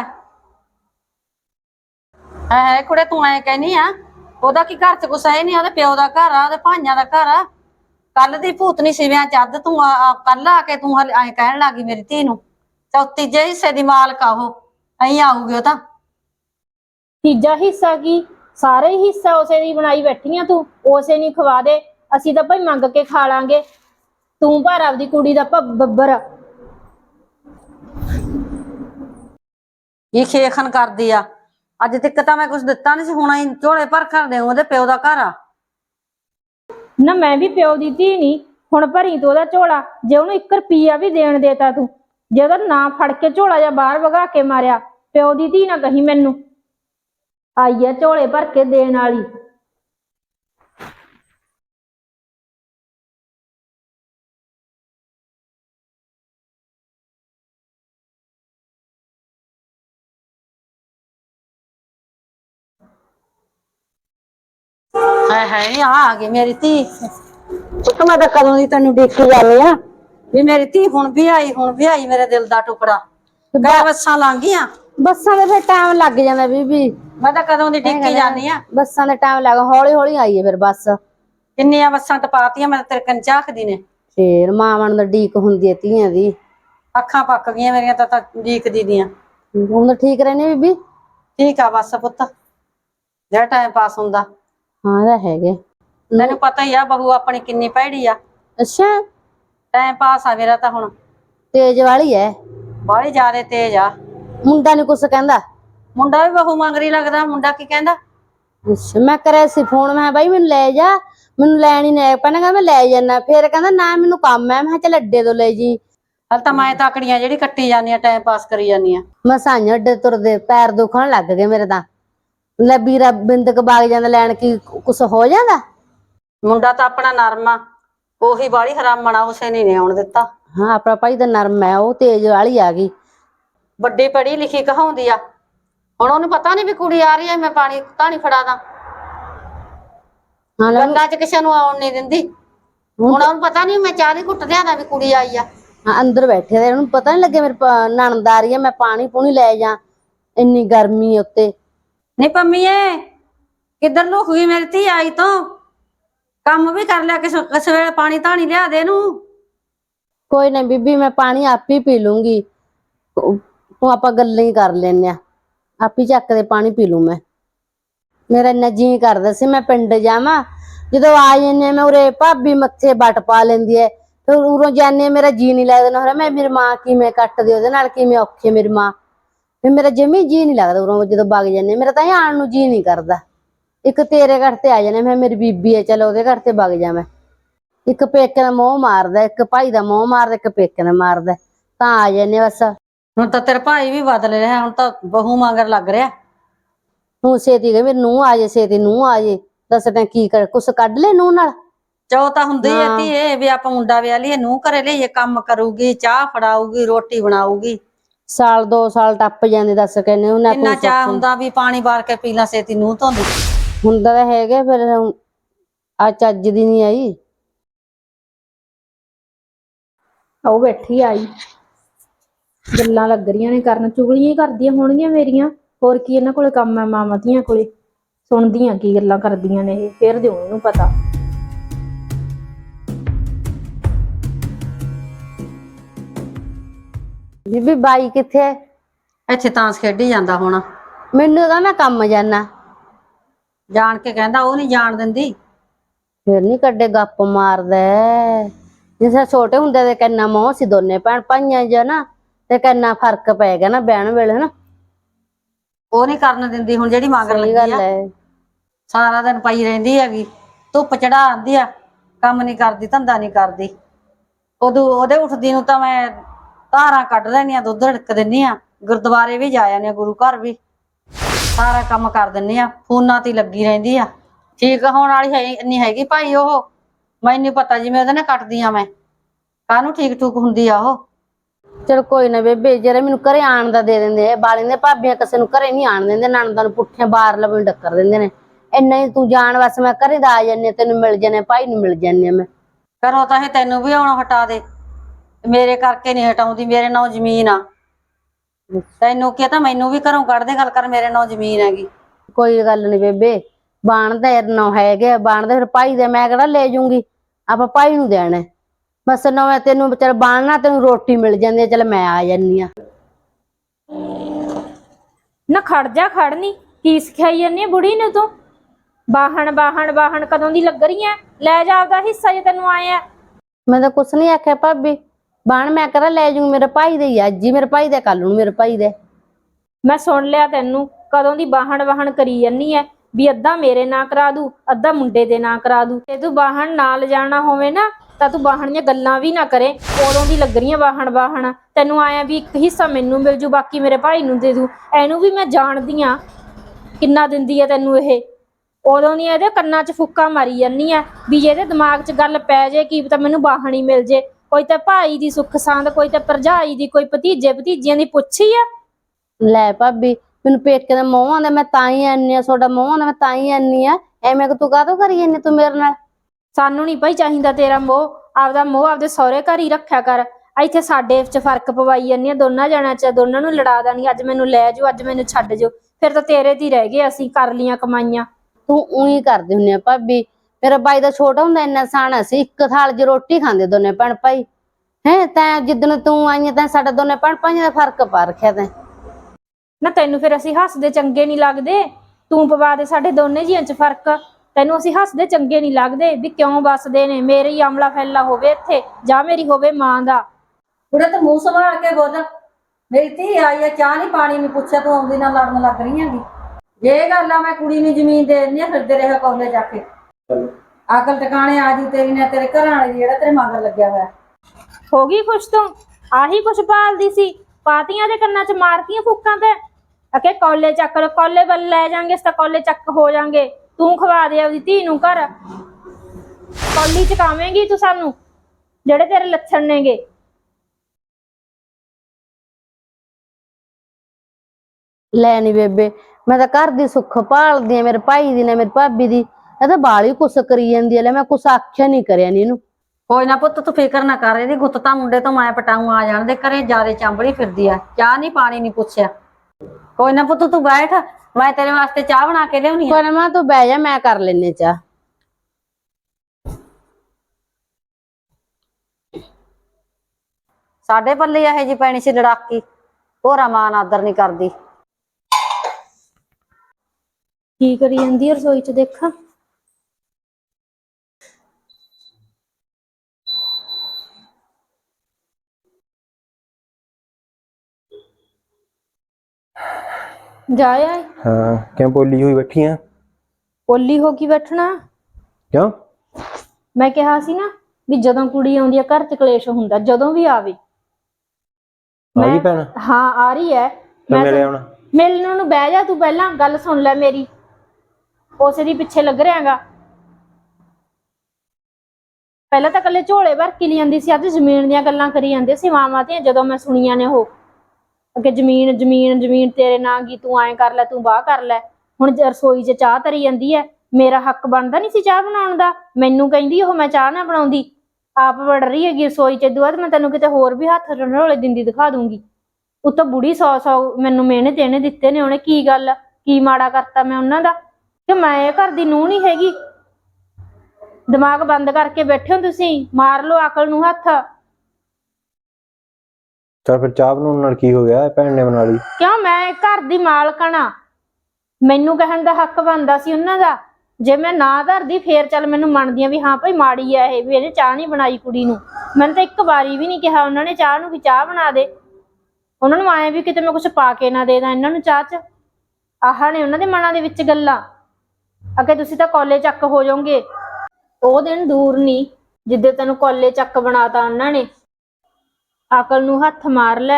[SPEAKER 4] ਹਾਏ ਕੁੜੇ, ਤੂੰ ਐਂ ਕਹਿਨੀ ਆ ਉਹਦਾ ਕੀ ਘਰ 'ਚ ਕੁਛ ਹੈ ਨਹੀਂ? ਉਹਦੇ ਪਿਓ ਦਾ ਘਰ ਆ, ਉਹਦੇ ਭਾਈਆਂ ਦਾ ਘਰ ਆ। ਕੱਲ ਦੀ ਭੂਤਨੀ ਸਿਵਿਆਂ ਚੱਦ ਤੂੰ ਕੱਲ ਆ ਕੇ ਤੂੰ ਐਂ ਕਹਿਣ ਲੱਗੀ ਮੇਰੀ ਧੀ ਨੂੰ। ਤੀਜੇ ਹਿੱਸੇ ਦੀ ਮਾਲਕ ਆ ਉਹ, ਐਂ ਆਊਗੀ ਉਹ ਤਾਂ।
[SPEAKER 3] ਤੀਜਾ ਹਿੱਸਾ ਕੀ, ਸਾਰੇ ਹੀ ਹਿੱਸਾ ਉਸੇ ਦੀ ਬਣਾਈ ਬੈਠੀ ਆ ਤੂੰ। ਉਸੇ ਨਹੀਂ ਖਵਾ ਦੇ, ਅਸੀਂ ਤਾਂ ਭਾਈ ਮੰਗ ਕੇ ਖਾ ਲਾਂਗੇ। ਤੂੰ ਭਰ ਆਪਦੀ ਕੁੜੀ ਦਾ ਬੱਬਰ।
[SPEAKER 4] ਕੀ ਖੇਖਣ ਕਰਦੀ ਆ? ਅੱਜ ਤੱਕ ਤਾਂ ਮੈਂ ਕੁਝ ਦਿੱਤਾ ਨਹੀਂ ਸੀ, ਹੁਣ ਅਸੀਂ ਝੋਲੇ ਭਰ ਕਰ ਦੇ ਉਹਦੇ ਪਿਓ ਦਾ ਘਰ ਆ।
[SPEAKER 3] ਨਾ ਮੈਂ ਵੀ ਪਿਓ ਦੀ ਧੀ ਨਹੀਂ, ਹੁਣ ਭਰੀ ਤੂੰ ਉਹਦਾ ਝੋਲਾ। ਜੇ ਉਹਨੂੰ 1 ਰੁਪਈਆ ਵੀ ਦੇਣ ਦੇਤਾ ਤੂੰ, ਜੇ ਉਹਦਾ ਨਾ ਫੜ ਕੇ ਝੋਲਾ ਜਾਂ ਬਾਹਰ ਵਗਾ ਕੇ ਮਾਰਿਆ, ਪਿਓ ਦੀ ਧੀ ਨਾ ਕਹੀ ਮੈਨੂੰ। ਆਈ ਆ ਝੋਲੇ ਭਰ ਕੇ ਦੇਣ ਵਾਲੀ।
[SPEAKER 4] ਹੈ ਨੀ ਆ ਗਈ ਮੇਰੀ ਧੀ। ਪੁੱਤ ਮੈਂ ਤਾਂ ਕਦੋਂ ਦੀ ਤੈਨੂੰ ਦੇਖੀ ਜਾਂਦੀ ਆ ਵੀ ਮੇਰੀ ਧੀ ਹੁਣ ਵੀ ਆਈ ਮੇਰੇ ਦਿਲ ਦਾ ਟੁਕੜਾ। ਕਈ ਬੱਸਾਂ ਲੰਘ ਗਈਆਂ।
[SPEAKER 3] ਬੱਸਾਂ ਦੇ ਫਿਰ ਟਾਈਮ ਲੱਗ ਜਾਂਦਾ ਬੀਬੀ।
[SPEAKER 4] ਮੈਂ ਤਾਂ ਕਦੋਂ ਦੀ ਦੇਖੀ ਜਾਂਦੀ ਆ।
[SPEAKER 3] ਬੱਸਾਂ ਦੇ ਟਾਈਮ ਲੱਗ, ਹੌਲੀ ਹੌਲੀ ਆਈ ਹੈ ਫਿਰ ਬੱਸ।
[SPEAKER 4] ਕਿੰਨੀਆਂ ਬੱਸਾਂ ਟਪਾਤੀਆਂ, ਮੈਂ ਤੇਰੇ ਕੰਨ ਝਾਕਦੀ ਨੇ।
[SPEAKER 3] ਫੇਰ ਮਾਵਾਂ ਨੂੰ ਤਾਂ ਡੀਕ ਹੁੰਦੀ ਹੈ ਧੀਆਂ ਦੀ।
[SPEAKER 4] ਅੱਖਾਂ ਪੱਕ ਗਈਆਂ ਮੇਰੀਆਂ ਤਾਂ ਡੀਕਦੀ ਦੀਆਂ।
[SPEAKER 3] ਹੁਣ ਤਾਂ ਠੀਕ ਰਹਿੰਦੀ ਬੀਬੀ।
[SPEAKER 4] ਠੀਕ ਆ ਬਸ ਪੁੱਤ, ਜਿਹੜਾ ਟਾਈਮ ਪਾਸ ਹੁੰਦਾ।
[SPEAKER 3] ਹਾਂ ਇਹ ਤਾਂ ਹੈਗੇ।
[SPEAKER 4] ਤੈਨੂੰ ਪਤਾ ਹੀ ਆ ਬਹੂ ਆਪਣੀ ਕਿੰਨੀ ਭੈੜੀ ਆ।
[SPEAKER 3] ਅੱਛਾ,
[SPEAKER 4] ਟਾਈਮ ਪਾਸ ਆ ਮੇਰਾ ਤਾਂ ਹੁਣ।
[SPEAKER 3] ਤੇਜ ਵਾਲੀ ਹੈ,
[SPEAKER 4] ਬਾਹਲੀ ਜ਼ਿਆਦਾ ਤੇਜ਼ ਆ।
[SPEAKER 3] ਮੁੰਡਾ ਨੀ ਕੁਛ ਕਹਿੰਦਾ?
[SPEAKER 4] ਮੁੰਡਾ ਵੀ ਬਹੂ ਮੰਗਰੀ ਲੱਗਦਾ। ਮੁੰਡਾ ਕੀ ਕਹਿੰਦਾ?
[SPEAKER 3] ਅੱਛਾ, ਮੈਂ ਕਰਿਆ ਸੀ ਫੋਨ, ਮੈਂ ਬਾਈ ਮੈਨੂੰ ਲੈ ਜਾ, ਮੈਨੂੰ ਲੈਣ ਹੀ ਨਹੀਂ ਪਹਿਲਾਂ ਕਹਿੰਦਾ ਮੈਂ ਲੈ ਜਾਣਾ, ਫੇਰ ਕਹਿੰਦਾ ਨਾ ਮੈਨੂੰ ਕੰਮ ਹੈ। ਮੈਂ ਕਿਹਾ ਚੱਲ ਅੱਡੇ ਤੋਂ ਲੈ ਜੀ।
[SPEAKER 4] ਹਲ ਤਾਂ ਮੈਂ ਤਾਕੜੀਆਂ ਜਿਹੜੀ ਕੱਟੀ ਜਾਂਦੀ ਆ, ਟਾਈਮ ਪਾਸ ਕਰੀ ਜਾਂਦੀ ਆ।
[SPEAKER 3] ਮੈਂ ਸਾਈਂ ਅੱਡੇ ਤੁਰਦੇ ਪੈਰ ਦੁਖਣ ਲੱਗ ਗਏ ਮੇਰੇ ਤਾਂ। ਲੈ ਵੀਰਾ ਬਿੰਦਕ ਬਾਗ ਜਾਂਦਾ ਲੈਣ, ਕੀ ਕੁਛ ਹੋ ਜਾਂਦਾ?
[SPEAKER 4] ਮੁੰਡਾ ਤਾਂ ਆਪਣਾ ਨਰਮ ਆ, ਉਹੀ ਬਾਹਲੀ ਹਰਾਮਣਾ, ਉਸੇ ਨੇ ਆਉਣ ਦਿੱਤਾ।
[SPEAKER 3] ਹਾਂ ਆਪਣਾ ਭਾਈ ਤਾਂ ਨਰਮ ਹੈ, ਉਹ ਤੇਜ਼ ਵਾਲੀ ਆ ਗਈ।
[SPEAKER 4] ਵੱਡੀ ਪੜ੍ਹੀ ਲਿਖੀ ਕਹਾਉਂਦੀ ਆ, ਹੁਣ ਉਹਨੂੰ ਪਤਾ ਨਹੀਂ ਵੀ ਕੁੜੀ ਆ ਰਹੀ ਹੈ, ਮੈਂ ਪਾਣੀ ਧਾਣੀ ਫੜਾ ਦਾਂ। ਗੰਗਾ ਚ ਕਿਸੇ ਨੂੰ ਆਉਣ ਨਹੀਂ ਦਿੰਦੀ। ਹੁਣ ਉਹਨੂੰ ਪਤਾ ਨਹੀਂ ਮੈਂ ਚਾਹ ਦੀ ਘੁੱਟ ਲਿਆਦਾ ਵੀ ਕੁੜੀ ਆਈ ਆ।
[SPEAKER 3] ਹਾਂ ਅੰਦਰ ਬੈਠੇ ਦੇ, ਉਹਨੂੰ ਪਤਾ ਨੀ ਲੱਗੇ ਮੇਰੇ ਨਣਦ ਆ ਰਹੀ ਹੈ, ਮੈਂ ਪਾਣੀ ਪੂਣੀ ਲੈ ਜਾ। ਇੰਨੀ ਗਰਮੀ ਉੱਤੇ।
[SPEAKER 4] ਨਹੀਂ ਪੰਮੀਏ, ਕਿੱਧਰ ਲੁਕ ਗਈ ਮੇਰੀ ਧੀ ਆਈ ਤੋਂ? ਕੰਮ ਵੀ ਕਰ ਲਿਆ, ਕਿਸੇ ਵੇਲੇ ਪਾਣੀ ਧਾਣੀ ਲਿਆ ਦੇ ਇਹਨੂੰ।
[SPEAKER 3] ਕੋਈ ਨਾ ਬੀਬੀ, ਮੈਂ ਪਾਣੀ ਆਪ ਹੀ ਪੀ ਲੂੰਗੀ। ਤੂੰ ਆਪਾਂ ਗੱਲਾਂ ਹੀ ਕਰ ਲੈਨੇ ਆ, ਆਪ ਹੀ ਚੱਕ ਦੇ ਪਾਣੀ ਪੀ ਲੂ ਮੈਂ। ਮੇਰਾ ਇੰਨਾ ਜੀ ਕਰਦਾ ਸੀ ਮੈਂ ਪਿੰਡ ਜਾਵਾਂ। ਜਦੋਂ ਆ ਜਾਂਦੇ ਮੈਂ ਉਰੇ ਭਾਬੀ ਮੱਥੇ ਵੱਟ ਪਾ ਲੈਂਦੀ ਹੈ, ਫਿਰ ਉਰੋਂ ਜਾਂਦੇ ਮੇਰਾ ਜੀ ਨਹੀਂ ਲੱਗਦਾ। ਨਾ ਮੈਂ ਮੇਰੀ ਮਾਂ ਕਿਵੇਂ ਕੱਟਦੀ ਉਹਦੇ ਨਾਲ, ਕਿਵੇਂ ਔਖੀ ਮੇਰੀ ਮਾਂ। ਫਿਰ ਮੇਰਾ ਜਮੀ ਜੀ ਨਹੀਂ ਲੱਗਦਾ ਉਰੋਂ ਜਦੋਂ ਵਗ ਜਾਂਦੇ। ਮੇਰਾ ਤਾਂ ਇਹ ਆਉਣ ਨੂੰ ਜੀ ਨਹੀਂ ਕਰਦਾ। ਇੱਕ ਤੇਰੇ ਘਰ ਤੇ ਆ ਜਾਣੇ, ਮੈਂ ਮੇਰੀ ਬੀਬੀ ਹੈ ਚਲੋ ਉਹਦੇ ਘਰ ਤੇ ਵਗ ਜਾ। ਮੈਂ ਇੱਕ ਪੇਕੇ ਦਾ ਮੋਹ ਮਾਰਦਾ, ਇੱਕ ਭਾਈ ਦਾ ਮੋਹ ਮਾਰਦਾ, ਇੱਕ ਪੇਕੇ ਦਾ ਮਾਰਦਾ, ਤਾਂ ਆ ਜਾਂਦੇ ਬਸ।
[SPEAKER 4] ਹੁਣ ਤਾਂ ਤੇਰਾ ਭਾਈ ਵੀ ਬਦਲ ਰਿਹਾ, ਹੁਣ ਤਾਂ ਬਹੂ ਮਗਰ ਲੱਗ ਰਿਹਾ।
[SPEAKER 3] ਹੁਣ ਛੇਤੀ ਗਏ ਮੇਰੀ ਨੂੰਹ ਆ ਜੇ, ਛੇਤੀ ਨੂੰਹ ਆ ਜੇ। ਦੱਸ ਤੈਂ ਕੀ ਕਰ, ਕੁਛ ਕੱਢ ਲੈ ਨੂੰਹ ਨਾਲ?
[SPEAKER 4] ਚਾਹ ਤਾਂ ਹੁੰਦੀ ਹੈ ਧੀਏ ਵੀ ਆਪਾਂ ਮੁੰਡਾ ਵਿਆਹ ਲਈਏ, ਨੂੰਹ ਘਰੇ ਲਈਏ, ਕੰਮ ਕਰੂਗੀ, ਚਾਹ ਫੜਾਊਗੀ, ਰੋਟੀ ਬਣਾਊਗੀ।
[SPEAKER 3] ਸਾਲ 2 ਸਾਲ ਟੱਪ ਜਾਂਦੇ, ਦੱਸ ਕਹਿੰਦੇ ਉਹਨਾਂ
[SPEAKER 4] ਇੰਨਾ ਚਾਹ ਹੁੰਦਾ ਵੀ ਪਾਣੀ ਬਾਰ ਕੇ ਪੀ ਲਾ, ਛੇਤੀ ਨੂੰਹ ਧੋਂਦੀ।
[SPEAKER 3] ਹੁੰਦਾ ਤਾਂ ਹੈਗਾ, ਫਿਰ ਆ ਚੱਜ ਦੀ ਨਹੀਂ ਆਈ। ਉਹ ਬੈਠੀ ਆਈ, ਗੱਲਾਂ ਲੱਗ ਰਹੀਆਂ ਨੇ ਕਰਨ, ਚੁਗਲੀਆਂ ਹੀ ਕਰਦੀਆਂ ਹੋਣਗੀਆਂ ਮੇਰੀਆਂ। ਹੋਰ ਕੀ ਇਹਨਾਂ ਕੋਲੇ ਕੰਮ ਹੈ ਮਾਵਾਂ ਧੀਆਂ ਕੋਲੇ? ਸੁਣਦੀਆਂ ਕੀ ਗੱਲਾਂ ਕਰਦੀਆਂ ਨੇ ਇਹ, ਫੇਰ ਦਿਓ ਇਹਨੂੰ ਪਤਾ। ਬੀਬੀ ਬਾਈ ਕਿੱਥੇ?
[SPEAKER 4] ਇੱਥੇ ਤਾਂਸ ਖੇਡੀ ਜਾਂਦਾ ਹੋਣਾ।
[SPEAKER 3] ਮੈਨੂੰ ਤਾਂ ਮੈਂ ਕੰਮ ਜਾਣਾ।
[SPEAKER 4] ਜਾਣ ਕੇ ਕਹਿੰਦਾ, ਉਹ ਨਹੀਂ ਜਾਣ ਦਿੰਦੀ।
[SPEAKER 3] ਫਿਰ ਨੀ ਕੱਢੇ ਗੱਪ ਮਾਰਦਾ। ਜਿਸ ਛੋਟੇ ਹੁੰਦੇ ਦੇ ਕਿੰਨਾ ਮੋਹ ਸੀ ਦੋਨੇ ਭੈਣ ਭਾਈਆਂ ਚ ਨਾ, ਤੇ ਕਿੰਨਾ ਫਰਕ ਪੈ ਗਿਆ ਨਾ ਬਹਿਣ ਵੇਲੇ ਨਾ।
[SPEAKER 4] ਉਹ ਨਹੀਂ ਕਰਨ ਦਿੰਦੀ। ਹੁਣ ਜਿਹੜੀ ਮਗਰ ਲੱਗੀ ਆ, ਸਾਰਾ ਦਿਨ ਪਈ ਰਹਿੰਦੀ ਹੈਗੀ, ਧੁੱਪ ਚੜਾ ਆਂਦੀ ਆ, ਕੰਮ ਨਹੀਂ ਕਰਦੀ, ਧੰਦਾ ਨਹੀਂ ਕਰਦੀ। ਉਹਦੇ ਉੱਠਦੀ ਨੂੰ ਤਾਂ ਮੈਂ ਧਾਰਾਂ ਕੱਢ ਲੈਣੀਆਂ, ਦੁੱਧ ੜਕ ਦਿੰਨੀ ਆ, ਗੁਰਦੁਆਰੇ ਵੀ ਜਾ ਜਾਂਦੇ ਆ, ਗੁਰੂ ਘਰ ਵੀ ਸਾਰਾ ਕੰਮ ਕਰ ਦਿੰਨੀ ਆ। ਫੋਨਾਂ ਤੇ ਲੱਗੀ ਰਹਿੰਦੀ ਆ। ਠੀਕ ਹੋਣ ਵਾਲੀ ਹੈ ਨਹੀਂ ਹੈਗੀ ਭਾਈ ਉਹ, ਮੈਨੂੰ ਪਤਾ ਜਿਵੇਂ ਉਹਦੇ ਨਾਲ ਕੱਟਦੀ ਆ ਮੈਂ, ਕਾਹਨੂੰ ਠੀਕ ਠੂਕ ਹੁੰਦੀ ਆ ਉਹ।
[SPEAKER 3] ਚਲ ਕੋਈ ਨਾ ਬੇਬੇ, ਜਿਹੜੇ ਮੈਨੂੰ ਘਰੇ ਆਣ ਦਾ ਦੇ ਦਿੰਦੇ ਬਾਲੇ ਦੇ ਭਾਬੀਆਂ, ਕਿਸੇ ਨੂੰ ਘਰੇ ਨਹੀਂ ਆਣ ਦਿੰਦੇ, ਨਣਦਾਂ ਨੂੰ ਪੁੱਠੇ ਬਾਹਰ ਲਵਣ ਡੱਕਰ ਦਿੰਦੇ ਨੇ। ਇੰਨਾ ਹੀ ਤੂੰ ਜਾਣ ਬਸ, ਮੈਂ ਘਰੇ ਦਾ ਆ ਜਾਂਦੀ, ਤੈਨੂੰ ਮਿਲ ਜਾਣੇ, ਭਾਈ ਨੂੰ ਮਿਲ ਜਾਂਦੀ ਮੈਂ।
[SPEAKER 4] ਘਰੋਂ ਤਾਂ ਇਹ ਤੈਨੂੰ ਵੀ ਆਉਣਾ ਹਟਾ ਦੇ, ਮੇਰੇ ਕਰਕੇ ਨਹੀਂ ਹਟਾਉਂਦੀ। ਮੇਰੇ ਨਾਂ ਜ਼ਮੀਨ ਆ, ਤੈਨੂੰ ਕੀ ਤਾਂ ਮੈਨੂੰ ਵੀ ਘਰੋਂ ਕੱਢ ਦੇ, ਗੱਲ ਕਰ, ਮੇਰੇ ਨਾਂ ਜ਼ਮੀਨ ਹੈਗੀ।
[SPEAKER 3] ਕੋਈ ਗੱਲ ਨੀ ਬੇਬੇ, ਬਾਣਦਾ ਨਾ ਹੈਗੇ, ਬਾਣਦਾ ਫਿਰ ਭਾਈ ਦੇ, ਮੈਂ ਕਿਹੜਾ ਲੈ ਜੂੰਗੀ, ਆਪਾਂ ਭਾਈ ਨੂੰ ਦੇਣਾ ਬਸ। ਨਾ ਤੈਨੂੰ ਚੱਲ ਬਾਣਨਾ, ਤੈਨੂੰ ਰੋਟੀ ਮਿਲ ਜਾਂਦੀ ਹੈ, ਚੱਲ ਮੈਂ ਆ ਜਾਂਦੀ ਆ। ਨਾ ਖੜ ਜਾ, ਖੜਨੀ ਕੀ ਸਿਖਾਈ ਜਾਂਦੀ ਆ ਬੁੜੀ ਨੂੰ ਤੂੰ? ਬਾਹਣ ਬਾਹਣ ਬਾਹਣ ਕਦੋਂ ਦੀ ਲੱਗ ਰਹੀ ਐ? ਲੈ ਜਾ ਆਪਦਾ ਹਿੱਸਾ ਜੇ ਤੈਨੂੰ ਆਇਆ।
[SPEAKER 5] ਮੈਂ ਤਾਂ ਕੁਛ ਨਹੀਂ ਆਖਿਆ ਭਾਬੀ। ਬਾਣ ਮੈਂ ਕਰਾਂ ਲੈ ਜੂ, ਮੇਰੇ ਭਾਈ ਦੇ ਹੀ ਆ, ਅੱਜ ਹੀ ਮੇਰੇ ਭਾਈ ਦੇ, ਕੱਲ ਨੂੰ ਮੇਰੇ ਭਾਈ ਦੇ।
[SPEAKER 3] ਮੈਂ ਸੁਣ ਲਿਆ ਤੈਨੂੰ ਕਦੋਂ ਦੀ ਬਾਹਣ ਬਾਹਣ ਕਰੀ ਜਾਂਦੀ ਐ ਵੀ ਅੱਧਾ ਮੇਰੇ ਨਾਂ ਕਰਾ ਦੂ, ਅੱਧਾ ਮੁੰਡੇ ਦੇ ਨਾਂ ਕਰਾ ਦੂ। ਤੇ ਤੂੰ ਬਾਹਣ ਨਾ ਲਿਜਾਣਾ ਹੋਵੇ ਨਾ ਤਾਂ ਤੂੰ ਬਾਹਣ ਦੀਆਂ ਗੱਲਾਂ ਵੀ ਨਾ ਕਰੇ। ਉਦੋਂ ਦੀ ਲੱਗ ਰਹੀ ਐ ਬਾਹਣ ਬਾਹਣ। ਤੈਨੂੰ ਆਇਆ ਵੀ ਇੱਕ ਹਿੱਸਾ ਮੈਨੂੰ ਮਿਲ ਜੂ, ਬਾਕੀ ਮੇਰੇ ਭਾਈ ਨੂੰ ਦੇ ਦੂ। ਇਹਨੂੰ ਵੀ ਮੈਂ ਜਾਣਦੀ ਆ ਕਿੰਨਾ ਦਿੰਦੀ ਐ ਤੈਨੂੰ ਇਹ। ਉਦੋਂ ਦੀ ਇਹਦੇ ਕੰਨਾਂ 'ਚ ਫੁੱਕਾ ਮਾਰੀ ਜਾਂਦੀ ਆ ਵੀ ਜੇ ਇਹਦੇ ਦਿਮਾਗ 'ਚ ਗੱਲ ਪੈ ਜੇ ਕੀ ਪਤਾ ਮੈਨੂੰ ਬਾਹਣ ਹੀ ਮਿਲ ਜੇ। ਕੋਈ ਤਾਂ ਭਾਈ ਦੀ ਸੁੱਖ ਸਾਂਦ, ਕੋਈ ਤਾਂ ਭਰਜਾਈ ਦੀ, ਕੋਈ ਭਤੀਜੇ ਭਤੀਜਿਆਂ ਦੀ ਪੁੱਛੀ ਆ।
[SPEAKER 5] ਲੈ ਭਾਬੀ ਮੈਨੂੰ ਪੇਕੇ ਦਾ ਮੋਹ ਆਉਂਦਾ, ਮੈਂ ਤਾਂ ਹੀ ਆਨੀ ਆ। ਤੁਹਾਡਾ ਮੋਹ ਆਉਂਦਾ, ਮੈਂ ਤਾਂ ਹੀ ਆਨੀ ਆ। ਐਵੇਂ ਕਿ ਤੂੰ ਕਾਹਤੋਂ ਕਰੀ ਜਾਂਦੀ ਤੂੰ ਮੇਰੇ ਨਾਲ?
[SPEAKER 3] ਸਾਨੂੰ ਨਹੀਂ ਭਾਈ ਚਾਹੀਦਾ ਤੇਰਾ ਮੋਹ। ਆਪਦਾ ਮੋਹ ਆਪਦੇ ਸਹੁਰੇ ਘਰ ਹੀ ਰੱਖਿਆ ਕਰ। ਇੱਥੇ ਸਾਡੇ 'ਚ ਫਰਕ ਪਵਾਈ ਜਾਂਦੀ ਆ ਦੋਨਾਂ ਜਣਿਆਂ 'ਚ। ਦੋਨਾਂ ਨੂੰ ਲੜਾ ਦੇਣੀ, ਅੱਜ ਮੈਨੂੰ ਲੈ ਜਾਓ, ਅੱਜ ਮੈਨੂੰ ਛੱਡ ਜਾਓ। ਫਿਰ ਤਾਂ ਤੇਰੇ ਤੇ ਹੀ ਰਹਿ ਗਏ ਅਸੀਂ, ਕਰ ਲੀਆਂ ਕਮਾਈਆਂ।
[SPEAKER 5] ਤੂੰ ਉਹੀ ਕਰਦੀ ਹੁੰਨੀ ਆ ਭਾਬੀ। ਮੇਰਾ ਬਾਈ ਦਾ ਛੋਟਾ ਹੁੰਦਾ ਇੰਨਾ ਸਾਣਾ ਸੀ, ਇੱਕ ਥਾਲ 'ਚ ਰੋਟੀ ਖਾਂਦੇ ਦੋਨੇ ਭੈਣ ਭਾਈ। ਹੈ ਤੈਂ ਜਿੱਦਣ ਤੂੰ ਆਈ ਤੈਂ ਸਾਡਾ ਦੋਨੇ ਭੈਣ ਭਾਈਆਂ ਦਾ ਫਰਕ ਪਾ ਰੱਖਿਆ ਤੈਂ।
[SPEAKER 3] ਨਾ ਤੈਨੂੰ ਫਿਰ ਅਸੀਂ ਹੱਸਦੇ ਚੰਗੇ ਨਹੀਂ ਲੱਗਦੇ? ਤੂੰ ਪਵਾ ਦੇ ਸਾਡੇ ਦੋਨੇ ਜੀਆਂ 'ਚ ਫਰਕ। ਤੈਨੂੰ ਅਸੀਂ ਹੱਸਦੇ ਚੰਗੇ ਨਹੀਂ ਲੱਗਦੇ ਵੀ ਕਿਉਂ ਵੱਸਦੇ ਨੇ? ਮੇਰੇ ਹੀ ਆਮਲਾ ਫੈਲਾ ਹੋਵੇ ਇੱਥੇ, ਜਾਂ ਮੇਰੀ ਹੋਵੇ ਮਾਂ ਦਾ।
[SPEAKER 4] ਕੁੜੇ ਤੂੰ ਮੂੰਹ ਸੰਭਾਲ ਕੇ ਬੋਲ। ਮੇਰੀ ਧੀ ਆਈ ਆ, ਚਾਹ ਨਹੀਂ ਪਾਣੀ ਨਹੀਂ ਪੁੱਛਿਆ, ਤੂੰ ਆਉਂਦੀ ਨਾਲ ਲੜਨ ਲੱਗ ਰਹੀ ਹੈਗੀ। ਜੇ ਗੱਲ ਆ ਮੈਂ ਕੁੜੀ ਨੂੰ ਜ਼ਮੀਨ ਦੇ ਦਿੰਦੀ ਆ, ਫਿਰਦੇ ਰਹੇ ਕੋਲੇ ਜਾ ਕੇ। ਅਕਲ ਟਿਕਾਣੇ ਆ ਜੂ ਤੇਰੀ ਨੇ, ਤੇਰੇ ਘਰਾਂ ਵਾਲੇ ਜਿਹੜਾ ਤੇਰੇ ਮਗਰ ਲੱਗਿਆ ਹੋਇਆ।
[SPEAKER 3] ਹੋ ਗਈ ਖੁਸ਼ ਤੂੰ? ਆਹੀ ਕੁਛ ਭਾਲਦੀ ਸੀ? ਪਾਤੀਆਂ ਦੇ ਕੰਨਾਂ 'ਚ ਮਾਰਤੀਆਂ ਫੂਕਾਂ ਤੇ ਅਕੇ ਕੋਲੇ ਚੱਕ ਲੋ। ਕੋਲੇ ਵੱਲ ਲੈ ਜਾਾਂਗੇ ਇਸ ਤਾਂ ਕੋਲੇ ਚੱਕ ਹੋ ਜਾਾਂਗੇ। ਤੂੰ ਖਵਾ ਦੇ ਆਪਦੀ ਧੀ ਨੂੰ ਘਰ। ਕੌਲੀ ਚਕਾਵੇਂਗੀ ਤੂੰ ਸਾਨੂੰ, ਜਿਹੜੇ ਤੇਰੇ ਲੱਛਣ ਨੇਗੇ।
[SPEAKER 5] ਲੈ ਨੀ ਬੇਬੇ, ਮੈਂ ਤਾਂ ਘਰ ਦੀ ਸੁੱਖ ਭਾਲਦੀ ਆ, ਮੇਰੇ ਭਾਈ ਦੀ ਨੇ ਮੇਰੀ ਭਾਬੀ ਦੀ। ਇਹ ਤਾਂ ਬਾਲੀ ਕੁਛ ਕਰੀ ਜਾਂਦੀ ਆ। ਲੈ ਮੈਂ ਕੁਛ ਆਖਿਆ ਨਹੀਂ ਕਰਿਆ ਨੀ ਇਹਨੂੰ।
[SPEAKER 4] ਕੋਈ ਨਾ ਪੁੱਤ ਤੂੰ ਫਿਕਰ ਨਾ ਕਰ, ਇਹਦੀ ਗੁੱਤ ਤਾਂ ਮੁੰਡੇ ਤੋਂ ਮੈਂ ਪਟਾਉਂ ਆ ਜਾਣ ਦੇ। ਘਰੇ ਜਿਆਦੇ ਚਾਂਬੜੀ ਫਿਰਦੀ ਆ, ਚਾਹ ਨਹੀਂ ਪਾਣੀ ਨਹੀਂ ਪੁੱਛਿਆ। ਕੋਈ ਨਾ ਪੁੱਤ ਤੂੰ ਬੈਠ, ਮੈਂ ਤੇਰੇ ਵਾਸਤੇ ਚਾਹ ਬਣਾ ਕੇ ਲਿਆਉਣੀ ਆ।
[SPEAKER 5] ਕੋਈ ਨਾ ਮਾਂ ਤੂੰ ਬਹਿ ਜਾ, ਮੈਂ ਕਰ ਲੈਨੇ ਚਾਹ।
[SPEAKER 4] ਸਾਡੇ ਪੱਲੇ ਇਹੋ ਜਿਹੀ ਪੈਣੀ ਸੀ ਲੜਾਕੀ, ਭੋਰਾ ਮਾਂ ਨਾਲ ਆਦਰ ਨਹੀਂ ਕਰਦੀ।
[SPEAKER 3] ਕੀ ਕਰੀ ਜਾਂਦੀ ਆ ਰਸੋਈ 'ਚ ਦੇਖਾਂ? ਜਾ ਆਏ।
[SPEAKER 1] ਹਾਂ ਕਿਉਂ ਬੋਲੀ ਹੋਈ ਬੈਠੀ ਆ?
[SPEAKER 3] ਓਲੀ ਹੋ ਕੇ ਬੈਠਣਾ?
[SPEAKER 1] ਕਿਉਂ?
[SPEAKER 3] ਮੈਂ ਕਿਹਾ ਸੀ ਨਾ ਵੀ ਜਦੋਂ ਕੁੜੀ ਆਉਂਦੀ ਆ ਘਰ 'ਚ ਕਲੇਸ਼ ਹੁੰਦਾ, ਜਦੋਂ ਵੀ ਆਵੇ।
[SPEAKER 1] ਆ ਗਈ ਭੈਣ?
[SPEAKER 3] ਹਾਂ ਆ ਰਹੀ ਹੈ।
[SPEAKER 1] ਮੈਂ ਮਿਲੇ ਆਉਣਾ।
[SPEAKER 3] ਮਿਲਣ ਨੂੰ ਬਹਿ ਜਾ ਤੂੰ, ਪਹਿਲਾਂ ਗੱਲ ਸੁਣ ਲੈ ਮੇਰੀ। ਉਸੇ ਦੀ ਪਿੱਛੇ ਲੱਗ ਰਿਹਾਗਾ। ਪਹਿਲਾਂ ਤਾਂ ਕੱਲੇ ਝੋਲੇ ਭਰ ਕੇ ਲਈ ਜਾਂਦੀ ਸੀ, ਅੱਜ ਜ਼ਮੀਨ ਦੀਆਂ ਗੱਲਾਂ ਕਰੀ ਜਾਂਦੇ ਸੀ ਮਾਵਾਂ ਧੀਆਂ। ਜਦੋਂ ਮੈਂ ਸੁਣੀਆਂ ਨੇ ਉਹ ਕਿ ਜ਼ਮੀਨ ਜ਼ਮੀਨ ਜ਼ਮੀਨ ਤੇਰੇ ਨਾਂ ਗੀ, ਤੂੰ ਐਂ ਕਰ ਲੈ, ਤੂੰ ਬਾਹ ਕਰ ਲੈ। ਹੁਣ ਰਸੋਈ 'ਚ ਚਾਹ ਧਰੀ ਜਾਂਦੀ ਹੈ, ਮੇਰਾ ਹੱਕ ਬਣਦਾ ਨਹੀਂ ਸੀ ਚਾਹ ਬਣਾਉਣ ਦਾ? ਮੈਨੂੰ ਕਹਿੰਦੀ ਉਹ ਮੈਂ ਚਾਹ ਨਾ ਬਣਾਉਂਦੀ, ਆਪ ਵੜ ਰਹੀ ਹੈਗੀ ਰਸੋਈ 'ਚ। ਇਦੋਂ ਬਾਅਦ ਮੈਂ ਤੈਨੂੰ ਕਿਤੇ ਹੋਰ ਵੀ ਹੱਥ ਢੋਲੇ ਦਿੰਦੀ ਦਿਖਾ ਦੂੰਗੀ। ਉੱਤੋਂ ਬੁੜੀ 100 ਮੈਨੂੰ ਮਿਹਣੇ ਦੇਣੇ ਦਿੱਤੇ ਨੇ ਉਹਨੇ। ਕੀ ਗੱਲ, ਕੀ ਮਾੜਾ ਕਰਤਾ ਮੈਂ ਉਹਨਾਂ ਦਾ? ਕਿ ਮੈਂ ਇਹ ਘਰ ਦੀ ਨੂੰਹ ਨਹੀਂ ਹੈਗੀ? ਦਿਮਾਗ ਬੰਦ ਕਰਕੇ ਬੈਠੇ ਹੋ ਤੁਸੀਂ, ਮਾਰ ਲਓ ਅਕਲ ਨੂੰ ਹੱਥ।
[SPEAKER 1] ਚੱਲ ਫਿਰ ਚਾਹ ਬਣਾਉਣ ਨਾਲ ਕੀ ਹੋ ਗਿਆ? ਭੈਣ ਨੇ ਬਣਾ ਲਈ।
[SPEAKER 3] ਕਿਉਂ? ਮੈਂ ਘਰ ਦੀ ਮਾਲਕਣ ਆ, ਮੈਨੂੰ ਕਹਿਣ ਦਾ ਹੱਕ ਬਣਦਾ ਸੀ ਉਹਨਾਂ ਦਾ। ਜੇ ਮੈਂ ਨਾ ਧਰਦੀ ਫੇਰ ਚੱਲ ਮੈਨੂੰ ਮੰਨਦੀਆਂ ਵੀ ਹਾਂ ਭਾਈ ਮਾੜੀ ਆ ਇਹ, ਵੀ ਇਹਨੇ ਚਾਹ ਨਹੀਂ ਬਣਾਈ ਕੁੜੀ ਨੂੰ। ਮੈਨੂੰ ਤਾਂ ਇੱਕ ਵਾਰੀ ਵੀ ਨਹੀਂ ਕਿਹਾ ਉਹਨਾਂ ਨੇ ਚਾਹ ਨੂੰ ਵੀ ਚਾਹ ਬਣਾ ਦੇ। ਉਹਨਾਂ ਨੂੰ ਆਏ ਵੀ ਕਿਤੇ ਮੈਂ ਕੁਛ ਪਾ ਕੇ ਨਾ ਦੇ ਦਾਂ ਇਹਨਾਂ ਨੂੰ ਚਾਹ 'ਚ। ਆਹ ਨੇ ਉਹਨਾਂ ਦੇ ਮਨਾਂ ਦੇ ਵਿੱਚ ਗੱਲਾਂ। ਅੱਗੇ ਤੁਸੀਂ ਤਾਂ ਕੋਲੇ ਚੱਕ ਹੋ ਜਾਓਗੇ। ਉਹ ਦਿਨ ਦੂਰ ਨਹੀਂ ਜਿੱਦੇ ਤੈਨੂੰ ਕੋਲੇ ਚੱਕ ਬਣਾਤਾ ਉਹਨਾਂ ਨੇ। ਅਕਲ ਨੂੰ ਹੱਥ ਮਾਰ ਲੈ।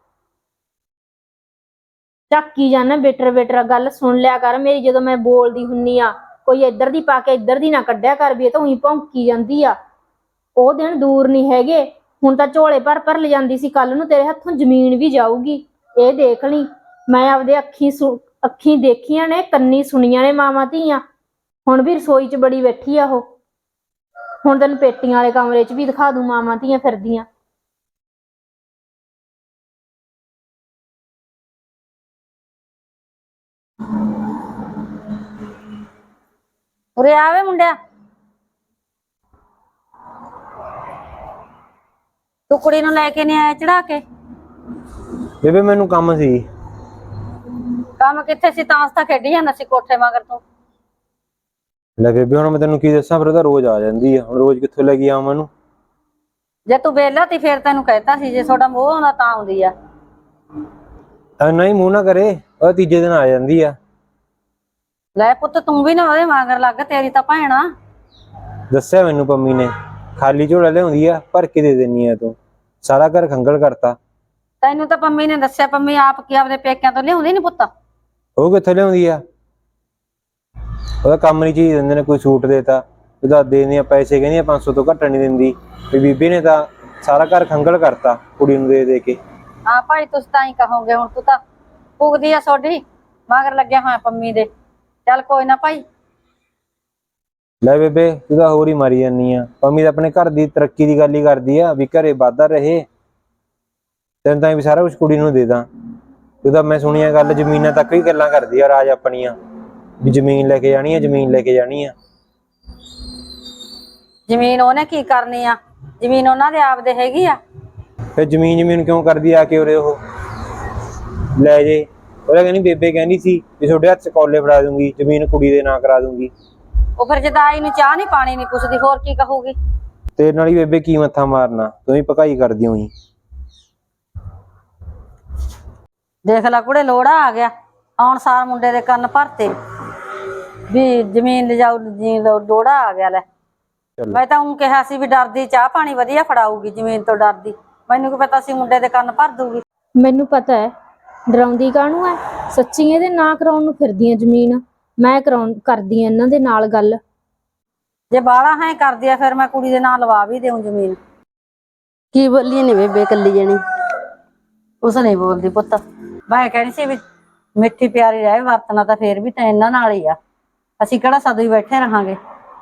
[SPEAKER 3] ਝਾਕੀ ਜਾਣਾ ਬੇਟਰ ਬੇਟਰ। ਗੱਲ ਸੁਣ ਲਿਆ ਕਰ ਮੇਰੀ ਜਦੋਂ ਮੈਂ ਬੋਲਦੀ ਹੁੰਨੀ ਆ। ਕੋਈ ਇੱਧਰ ਦੀ ਪਾ ਕੇ ਇੱਧਰ ਦੀ ਨਾ ਕੱਢਿਆ ਕਰ ਵੀ ਇਹ ਤਾਂ ਉਹੀ ਭੌਂਕੀ ਜਾਂਦੀ ਆ। ਉਹ ਦਿਨ ਦੂਰ ਨਹੀਂ ਹੈਗੇ। ਹੁਣ ਤਾਂ ਝੋਲੇ ਭਰ ਭਰ ਲਿਜਾਂਦੀ ਸੀ, ਕੱਲ ਨੂੰ ਤੇਰੇ ਹੱਥੋਂ ਜ਼ਮੀਨ ਵੀ ਜਾਊਗੀ। ਇਹ ਦੇਖ ਲਈ। ਮੈਂ ਆਪਦੇ ਅੱਖੀਂ ਦੇਖੀਆਂ ਨੇ, ਕੰਨੀ ਸੁਣੀਆਂ ਨੇ ਮਾਵਾਂ ਧੀਆਂ। ਹੁਣ ਵੀ ਰਸੋਈ 'ਚ ਬੜੀ ਬੈਠੀ ਆ ਉਹ। ਹੁਣ ਤੈਨੂੰ ਪੇਟੀਆਂ ਵਾਲੇ ਕਮਰੇ 'ਚ ਵੀ ਦਿਖਾ ਦੂੰ ਮਾਵਾਂ ਧੀਆਂ ਫਿਰਦੀਆਂ।
[SPEAKER 4] ਉਰੇ ਆਵੇ ਮੁੰਡਿਆ, ਤੂੰ ਕੁੜੀ ਨੂੰ ਲੈ ਕੇ ਨਹੀਂ ਆਇਆ ਚੜਾ ਕੇ?
[SPEAKER 1] ਬੇਬੇ ਮੈਨੂੰ ਕੰਮ ਸੀ।
[SPEAKER 4] ਕੰਮ ਕਿੱਥੇ ਸੀ, ਤਾਂ ਖੇਡੀ ਜਾਂਦਾ ਸੀ ਕੋਠੇ ਮਗਰ ਤੂੰ।
[SPEAKER 1] ਲੈ ਬੇਬੇ ਹੁਣ ਮੈਂ ਤੈਨੂੰ ਕੀ ਦੱਸਾਂ, ਫਿਰ ਉਹ ਤਾਂ ਰੋਜ਼ ਆ ਜਾਂਦੀ ਆ, ਹੁਣ ਰੋਜ਼ ਕਿੱਥੋਂ ਲੈ ਕੇ ਆਵਾਂ ਉਹਨੂੰ।
[SPEAKER 4] ਜੇ ਤੂੰ ਵਿਹਲਾ ਤੀ ਫੇਰ ਤੈਨੂੰ ਕਹਿਤਾ ਸੀ, ਜੇ ਤੁਹਾਡਾ ਮੋਹ ਆਉਂਦਾ ਤਾਂ ਆਉਂਦੀ ਆ।
[SPEAKER 1] ਐਨਾ ਹੀ ਮੂੰਹ ਨਾ ਕਰੇ, ਉਹ ਤੀਜੇ ਦਿਨ ਆ ਜਾਂਦੀ ਆ।
[SPEAKER 4] ਲੈ ਪੁੱਤ ਤੂੰ ਵੀ ਨਾ ਉਹਦੇ ਮਗਰ ਲੱਗ, ਤੇਰੀ ਤਾਂ ਭੈਣ ਆ।
[SPEAKER 1] ਦੱਸਿਆ ਮੈਨੂੰ ਪੰਮੀ ਨੇ, ਖਾਲੀ ਝੋਲਾ ਲਿਆਉਂਦੀ ਆ, ਭਰ ਕੇ ਦੇ ਦਿੰਨੀ ਆ ਤੂੰ, ਸਾਰਾ ਘਰ ਖੰਗਲ ਕਰਤਾ।
[SPEAKER 4] ਤੈਨੂੰ ਤਾਂ ਪੰਮੀ ਨੇ ਦੱਸਿਆ, ਪੰਮੀ ਆਪ ਕੀ ਆਪਦੇ ਪੇਕਿਆਂ ਤੋਂ ਲਿਆਉਂਦੀ ਨੀ ਪੁੱਤ।
[SPEAKER 1] ਉਹ ਕਿੱਥੋਂ ਲਿਆਉਂਦੀ ਆ, ਉਹਦਾ ਕੰਮ ਨਹੀਂ ਚੀਜ਼ ਦਿੰਦੇ ਨੇ, ਕੋਈ ਸੂਟ ਦੇਤਾ ਉਹਦਾ ਦੇਣੇ ਆ ਪੈਸੇ, ਕਹਿੰਦੀ ਆ 500 ਤੋਂ ਘੱਟ ਨਹੀਂ ਦਿੰਦੀ। ਵੀ ਬੀਬੀ ਨੇ ਤਾਂ ਸਾਰਾ ਘਰ ਖੰਗਲ ਕਰਤਾ ਕੁੜੀ ਨੂੰ ਦੇ ਦੇ ਕੇ।
[SPEAKER 4] ਹਾਂ ਭਾਈ ਤੁਸੀਂ ਤਾਂ ਹੀ ਕਹੋਗੇ, ਹੁਣ ਤੂੰ ਤਾਂ ਪੁੱਗਦੀ ਆ ਸੋਡੀ ਮਗਰ ਲੱਗਿਆ ਹੋਇਆ ਪੰਮੀ ਦੇ। ਚੱਲ ਕੋਈ ਨਾ ਭਾਈ।
[SPEAKER 1] ਲੈ ਬੇਬੇ ਤੂੰ ਤਾਂ ਹੋਰ ਹੀ ਮਾਰੀ ਜਾਨੀ ਆ, ਪੰਮੀ ਤਾਂ ਆਪਣੇ ਘਰ ਦੀ ਤਰੱਕੀ ਦੀ ਗੱਲ ਹੀ ਕਰਦੀ ਆ, ਵੀ ਘਰੇ ਵਾਧਾ ਰਹੇ, ਤੈਨੂੰ ਤਾਂ ਵੀ ਸਾਰਾ ਕੁਝ ਕੁੜੀ ਨੂੰ ਦੇ ਦਾਂ। ਤੂੰ ਤਾਂ ਮੈਂ ਸੁਣੀਆਂ ਗੱਲ ਜ਼ਮੀਨਾਂ ਤੱਕ ਵੀ ਗੱਲਾਂ ਕਰਦੀ ਆ ਰਾਜ ਆਪਣੀਆਂ, ਵੀ ਜ਼ਮੀਨ ਲੈ ਕੇ ਜਾਣੀ ਆ, ਜ਼ਮੀਨ ਲੈ ਕੇ ਜਾਣੀ ਆ।
[SPEAKER 4] ਜ਼ਮੀਨ ਉਹਨੇ ਕੀ ਕਰਨੀ ਆ, ਜ਼ਮੀਨ ਉਹਨਾਂ ਦੇ ਆਪ ਦੇ ਹੈਗੀ ਆ।
[SPEAKER 1] ਫਿਰ ਜ਼ਮੀਨ ਕਿਉਂ ਕਰਦੀ ਆ ਕੇ ਉਰੇ ਉਹ ਲੈ ਜੇ। ਉਹਦਾ ਕਹਿੰਦੀ ਬੇਬੇ ਕਹਿੰਦੀ ਸੀ ਵੀ ਤੁਹਾਡੇ ਹੱਥ 'ਚ ਕੌਲੇ ਫੜਾ ਦੂੰਗੀ, ਜ਼ਮੀਨ ਕੁੜੀ ਦੇ ਨਾਂ ਕਰਾ ਦੂੰਗੀ।
[SPEAKER 4] ਉਹ ਫਿਰ ਜਦਾਈ ਨੂੰ ਚਾਹ ਨਹੀਂ ਪਾਣੀ ਨਹੀਂ ਪੁੱਛਦੀ, ਹੋਰ ਕੀ ਕਹੂਗੀ।
[SPEAKER 1] ਤੇਰੇ ਨਾਲ ਹੀ ਬੇਬੇ ਕੀ ਮੱਥਾ ਮਾਰਨਾ, ਤੂੰ ਹੀ ਭਕਾਈ ਕਰਦੀ ਹੋਈ।
[SPEAKER 4] ਦੇਖ ਲੈ ਕੁੜੇ ਲੋੜਾ ਆ ਗਿਆ, ਆਉਣ ਸਾਰ ਮੁੰਡੇ ਦੇ ਕੰਨ ਭਰਤੇ ਵੀ ਜ਼ਮੀਨ ਲਿਜਾਓ ਜੀ, ਲੋੜਾ ਆ ਗਿਆ। ਲੈ ਮੈਂ ਤਾਂ ਉਹ ਕਿਹਾ ਸੀ ਵੀ ਡਰਦੀ ਚਾਹ ਪਾਣੀ ਵਧੀਆ ਫੜਾਊਗੀ, ਜ਼ਮੀਨ ਤੋਂ ਡਰਦੀ। ਮੈਨੂੰ ਕੀ ਪਤਾ ਸੀ ਮੁੰਡੇ ਦੇ ਕੰਨ ਭਰ ਦੂਗੀ।
[SPEAKER 3] ਮੈਨੂੰ ਪਤਾ ਹੈ ਡਰਾਉਂਦੀ ਕਾਹਨੂੰ ਹੈ, ਸੱਚੀ ਇਹਦੇ ਨਾਂ ਕਰਾਉਣ ਨੂੰ ਫਿਰਦੀਆਂ ਜ਼ਮੀਨ। ਮੈਂ ਕਰਦੀ ਆ ਇਹਨਾਂ ਦੇ ਨਾਲ ਗੱਲ।
[SPEAKER 4] ਜੇ ਬਾਹਲਾ ਹੈ ਕਰਦੀ ਆ ਫਿਰ ਮੈਂ ਕੁੜੀ ਦੇ ਨਾਂ ਲਵਾ ਵੀ ਦੇਉਂ ਜ਼ਮੀਨ।
[SPEAKER 5] ਕੀ ਬੋਲੀ ਨੀ ਬੇਬੇ ਕੱਲੀ ਜਣੀ?
[SPEAKER 4] ਉਸ ਨਹੀਂ ਬੋਲਦੀ ਪੁੱਤ, ਮੈਂ ਕਹਿੰਦੀ ਸੀ ਵੀ ਮਿੱਠੀ ਪਿਆਰੀ ਰਹੇ ਵਰਤਣਾ ਤਾਂ ਫੇਰ ਵੀ ਤਾਂ ਇਹਨਾਂ ਨਾਲ ਹੀ ਆ। ਅਸੀਂ ਕਿਹੜਾ ਸਦਾ ਹੀ ਬੈਠੇ ਰਹਾਂਗੇ,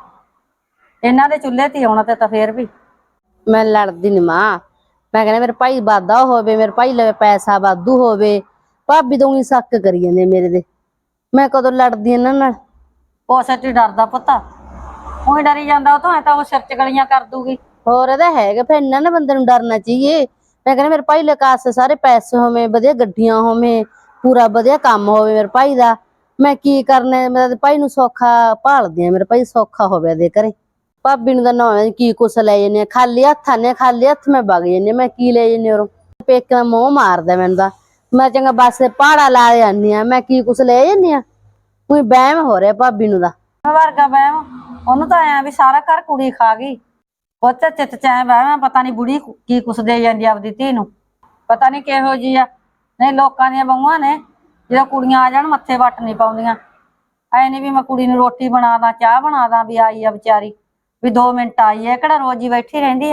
[SPEAKER 4] ਇਹਨਾਂ ਦੇ ਚੁੱਲ੍ਹੇ ਤੇ ਆਉਣਾ ਤੇ ਤਾਂ ਫੇਰ ਵੀ।
[SPEAKER 5] ਮੈਂ ਲੜਦੀ ਨੀ ਮਾਂ, ਮੈਂ ਕਹਿੰਦਾ ਮੇਰੇ ਭਾਈ ਵਾਧਾ ਹੋਵੇ, ਮੇਰੇ ਭਾਈ ਲਵੇ ਪੈਸਾ ਵਾਧੂ ਹੋਵੇ। ਭਾਬੀ ਤੋਂ ਹੀ ਸ਼ੱਕ ਕਰੀ ਜਾਂਦੇ ਮੇਰੇ ਦੇ, ਮੈਂ ਕਦੋਂ ਲੜਦੀ ਇਹਨਾਂ ਨਾਲ।
[SPEAKER 4] ਉਹ ਸੱਚ ਹੀ ਡਰਦਾ ਪੁੱਤ, ਉਹੀ ਡਰੀ ਜਾਂਦਾ, ਉਹ ਤੋਂ ਐ ਤਾਂ ਉਹ ਸਿਰ ਚ ਗਲੀਆਂ ਕਰ ਦੂਗੀ।
[SPEAKER 5] ਹੋਰ ਇਹਦਾ ਹੈਗਾ, ਫਿਰ ਇਹਨਾਂ ਨੇ ਬੰਦੇ ਨੂੰ ਡਰਨਾ ਚਾਹੀਏ। ਮੈਂ ਕਹਿੰਦਾ ਮੇਰੇ ਭਾਈ ਲਕਾਸ ਸਾਰੇ ਪੈਸੇ ਹੋਵੇ, ਵਧੀਆ ਗੱਡੀਆਂ ਹੋਵੇ, ਪੂਰਾ ਵਧੀਆ ਕੰਮ ਹੋਵੇ ਮੇਰੇ ਭਾਈ ਦਾ। ਮੈਂ ਕੀ ਕਰਨਾ, ਮੇਰੇ ਭਾਈ ਨੂੰ ਸੌਖਾ ਭਾਲਦੀ ਆ, ਮੇਰੇ ਭਾਈ ਸੌਖਾ ਹੋਵੇ ਦੇ ਘਰੇ। ਭਾਬੀ ਨੂੰ ਤਾਂ ਨਾ ਕੀ ਕੁਛ ਲੈ ਜਾਂਦੇ ਆ, ਖਾਲੀ ਹੱਥ ਆਨੇ, ਖਾਲੀ ਹੱਥ ਮੈਂ ਵਗ ਜਾਂਦੀ, ਮੈਂ ਕੀ ਲੈ ਜਾਂਦੀ ਉਹ ਪੇਕੇ ਦਾ ਮੋਹ ਮਾਰਦਾ ਮੈਨੂੰ ਤਾਂ। ਮੈਂ ਚੰਗਾ ਬੱਸ ਤੇ ਪਹਾੜਾ ਲਾ ਜਾਂਦੀ ਆ, ਮੈਂ ਕੀ ਕੁਛ ਲੈ ਜਾਂਦੀ ਆ। ਕੋਈ ਵਹਿਮ ਹੋ ਰਿਹਾ ਭਾਬੀ ਨੂੰ ਦਾ
[SPEAKER 4] ਵਰਗਾ ਵਹਿਮ, ਉਹਨੂੰ ਤਾਂ ਐ ਵੀ ਸਾਰਾ ਘਰ ਕੁੜੀ ਖਾ ਗਈ। ਉਹ ਤੇ ਚਿੱਤ ਚ ਐ ਵਹਿਮ, ਪਤਾ ਨੀ ਬੁੜੀ ਕੀ ਕੁਛ ਦੇ ਜਾਂਦੀ ਆਪਦੀ ਧੀ ਨੂੰ, ਪਤਾ ਨੀ ਕਿਹੋ ਜੀ ਆ। ਨਹੀਂ ਲੋਕਾਂ ਦੀਆਂ ਬਹੂਆਂ ਨੇ ਜਦੋਂ ਕੁੜੀਆਂ ਆ ਜਾਣ ਮੱਥੇ ਵੱਟ ਨਹੀਂ ਪਾਉਂਦੀਆਂ। ਐ ਨੀ ਵੀ ਮੈਂ ਕੁੜੀ ਨੂੰ ਰੋਟੀ ਬਣਾ ਦਾਂ, ਚਾਹ ਬਣਾ ਦਾਂ, ਵੀ ਆਈ ਆ ਵਿਚਾਰੀ ਵੀ 2 ਮਿੰਟ ਆਈ ਐ, ਕਿਹੜਾ ਰੋਜ਼ ਹੀ ਬੈਠੀ ਰਹਿੰਦੀ ਆ।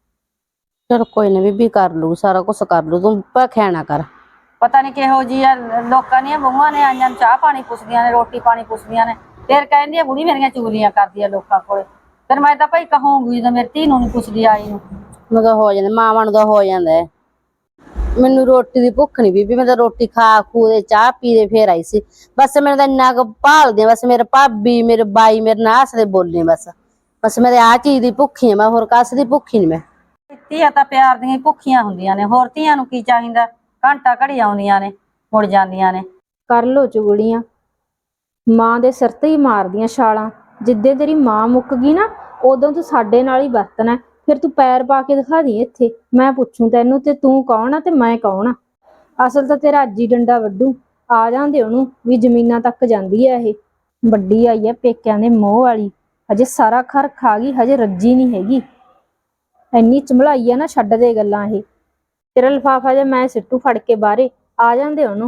[SPEAKER 5] ਚਲ ਕੋਈ ਨਾ ਬੀਬੀ ਕਰ ਲੂ, ਸਾਰਾ ਕੁਛ ਕਰ ਲੂ, ਤੂੰ ਭਖਿਆ ਨਾ ਕਰ।
[SPEAKER 4] ਪਤਾ ਨੀ ਕਿਹੋ ਜੀ ਆ, ਲੋਕਾਂ ਦੀਆਂ ਬਹੂਆਂ ਨੇ ਆਈਆਂ ਚਾਹ ਪਾਣੀ ਪੁੱਛਦੀਆਂ ਨੇ, ਰੋਟੀ ਪਾਣੀ ਪੁੱਛਦੀਆਂ ਨੇ, ਫਿਰ ਕਹਿੰਦੀ ਆ ਬੁੜੀ ਮੇਰੀਆਂ ਚੁਗਲੀਆਂ ਕਰਦੀ ਆ ਲੋਕਾਂ ਕੋਲੇ। ਫਿਰ ਮੈਂ ਤਾਂ ਭਾਈ ਕਹੂੰਗੀ ਜਦੋਂ ਮੇਰੀ ਧੀ ਨੂੰ ਨੀ ਪੁੱਛਦੀ ਆਈ ਨੂੰ।
[SPEAKER 5] ਮੈਂ ਤਾਂ ਹੋ ਜਾਂਦਾ, ਮਾਵਾਂ ਨੂੰ ਤਾਂ ਹੋ ਜਾਂਦਾ ਹੈ। ਮੈਨੂੰ ਰੋਟੀ ਦੀ ਭੁੱਖ ਨੀ ਬੀਬੀ, ਮੈਂ ਤਾਂ ਰੋਟੀ ਖਾ ਖੂ ਦੇ ਚਾਹ ਪੀ ਦੇ ਫੇਰ ਆਈ ਸੀ। ਬਸ ਮੈਨੂੰ ਤਾਂ ਇੰਨਾ ਕੁ ਭਾਲਦੇ, ਬਸ ਮੇਰੇ ਭਾਬੀ ਮੇਰੇ ਬਾਈ ਮੇਰੇ ਨਾਲ ਹੱਸਦੇ ਬੋਲਦੇ, ਬਸ ਮੇਰੇ ਆਹ ਚੀਜ਼ ਦੀ ਭੁੱਖੀ ਆ ਮੈਂ, ਹੋਰ ਕਾਸ ਦੀ ਭੁੱਖੀ ਨੀ ਮੈਂ।
[SPEAKER 4] ਧੀਆਂ ਤਾਂ ਪਿਆਰ ਦੀਆਂ ਭੁੱਖੀਆਂ ਹੁੰਦੀਆਂ ਨੇ, ਹੋਰ ਧੀਆਂ ਨੂੰ ਕੀ ਚਾਹੀਦਾ। ਘੰਟਾ ਘੜੀ ਆਉਂਦੀਆਂ ਨੇ ਮੁੜ ਜਾਂਦੀਆਂ ਨੇ।
[SPEAKER 3] ਕਰ ਲੋ ਚੁਗਲੀਆਂ, ਮਾਂ ਦੇ ਸਿਰ ਤੇ ਹੀ ਮਾਰਦੀਆਂ ਛਾਲਾਂ। ਜਿੱਦੇ ਤੇਰੀ ਮਾਂ ਮੁੱਕ ਗਈ ਨਾ, ਉਦੋਂ ਤੂੰ ਸਾਡੇ ਨਾਲ ਹੀ ਵਰਤਣਾ। ਫਿਰ ਤੂੰ ਪੈਰ ਪਾ ਕੇ ਦਿਖਾ ਦੀ ਇੱਥੇ, ਮੈਂ ਪੁੱਛੂ ਤੈਨੂੰ ਤੇ ਤੂੰ ਕੌਣ ਆ ਤੇ ਮੈਂ ਕੌਣ ਆ। ਅਸਲ ਤਾਂ ਤੇਰਾ ਅੱਜ ਹੀ ਡੰਡਾ ਵੱਢੂ। ਆ ਜਾਂਦੇ ਉਹਨੂੰ ਵੀ ਜ਼ਮੀਨਾਂ ਤੱਕ ਜਾਂਦੀ ਆ ਇਹ। ਵੱਡੀ ਆਈ ਆ ਪੇਕਿਆਂ ਦੇ ਮੋਹ ਵਾਲੀ, ਹਜੇ ਸਾਰਾ ਖਰ ਖਾ ਗਈ, ਹਜੇ ਰੱਜੀ ਨਹੀਂ ਹੈਗੀ। ਇੰਨੀ ਚਮਲਾਈ ਆ ਨਾ, ਛੱਡ ਦੇ ਗੱਲਾਂ ਇਹ। ਤੇਰਾ ਲਿਫਾਫਾ ਜੇ ਮੈਂ ਸਿੱਟੂ ਫੜ ਕੇ ਬਾਹਰੇ, ਆ ਜਾਂਦੇ ਉਹਨੂੰ।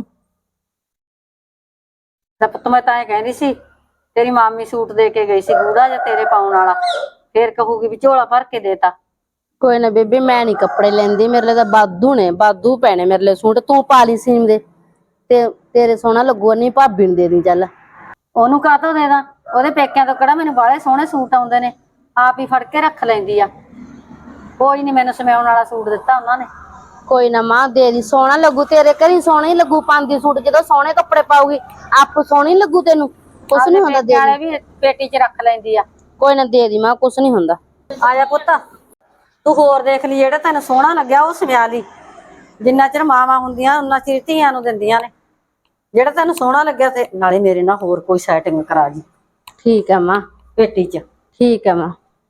[SPEAKER 4] ਤਾਂ ਪੁੱਤ ਮੈਂ ਤਾਂ ਇਹ ਕਹਿੰਦੀ ਸੀ, ਤੇਰੀ ਮਾਮੀ ਸੂਟ ਦੇ ਕੇ ਗਈ ਸੀ ਗੂੜਾ ਜਿਹਾ ਤੇਰੇ ਪਾਉਣ ਵਾਲਾ, ਫੇਰ ਕਹੂਗੀ ਵੀ ਝੋਲਾ ਭਰ ਕੇ ਦੇਤਾ।
[SPEAKER 5] ਕੋਈ ਨਾ ਬੇਬੇ ਮੈਂ ਨੀ ਕੱਪੜੇ ਲੈਂਦੀ, ਮੇਰੇ ਲਈ ਤਾਂ ਬਾਦੂ ਨੇ, ਬਾਦੂ ਪੈਣੇ ਮੇਰੇ ਲਈ ਸੂਟ। ਤੂੰ ਪਾ ਲਈ ਸੀਮ ਦੇ ਤੇ ਤੇਰੇ ਸੋਹਣਾ ਲੱਗੂ, ਨਹੀਂ ਭਾਬੀ ਨੂੰ ਦੇ ਦੀ ਚੱਲ।
[SPEAKER 4] ਉਹਨੂੰ ਕਾਹਤੋਂ ਦੇ ਦਾਂ, ਉਹਦੇ ਪੇਕਿਆਂ ਤੋਂ ਕਿਹੜਾ ਮੈਨੂੰ ਬਾਹਲੇ ਸੋਹਣੇ ਸੂਟ ਆਉਂਦੇ ਨੇ, ਆਪ ਹੀ ਫੜ ਕੇ ਰੱਖ ਲੈਂਦੀ ਆ। ਕੋਈ ਨੀ, ਮੈਨੂੰ ਸਮਾਉਣ ਵਾਲਾ ਸੂਟ ਦਿੱਤਾ ਉਹਨਾਂ ਨੇ।
[SPEAKER 5] ਕੋਈ ਨਾ ਮਾਂ ਦੇ ਦੀ, ਸੋਹਣਾ ਲੱਗੂ ਤੇਰੇ ਘਰੀ, ਸੋਹਣਾ ਹੀ ਲੱਗੂ ਪਾਂਦੀ ਸੂਟ। ਜਦੋਂ ਸੋਹਣੇ ਕੱਪੜੇ ਪਾਉਗੀ ਆਪ ਸੋਹਣੀ ਲੱਗੂ ਤੈਨੂੰ, ਕੁਛ ਨੀ ਹੁੰਦਾ। ਦੇ
[SPEAKER 4] ਦੀ ਵੀ ਪੇਟੀ 'ਚ ਰੱਖ ਲੈਂਦੀ ਆ।
[SPEAKER 5] ਕੋਈ ਨਾ ਦੇ ਦੀ ਮਾਂ, ਕੁਛ ਨੀ ਹੁੰਦਾ।
[SPEAKER 4] ਆ ਜਾ ਪੁੱਤ, ਤੂੰ ਹੋਰ ਦੇਖ ਲਈ, ਜਿਹੜਾ ਤੈਨੂੰ ਸੋਹਣਾ ਲੱਗਿਆ ਉਹ ਸਮਿਆ ਲਈ। ਜਿੰਨਾ ਚਿਰ ਮਾਵਾਂ ਹੁੰਦੀਆਂ ਉਹਨਾਂ ਚਿਰ ਧੀਆਂ ਨੂੰ ਦਿੰਦੀਆਂ ਨੇ। ਜਿਹੜਾ ਤੈਨੂੰ ਸੋਹਣਾ ਲੱਗਿਆ ਤੇ ਨਾਲੇ ਮੇਰੇ ਨਾਲ ਹੋਰ ਕੋਈ ਸੈਟਿੰਗ ਕਰਾ ਜੀ
[SPEAKER 5] ਠੀਕ ਹੈ ਮਾਂ,
[SPEAKER 4] ਪੇਟੀ 'ਚ।
[SPEAKER 5] ਠੀਕ ਹੈ ਮਾਂ।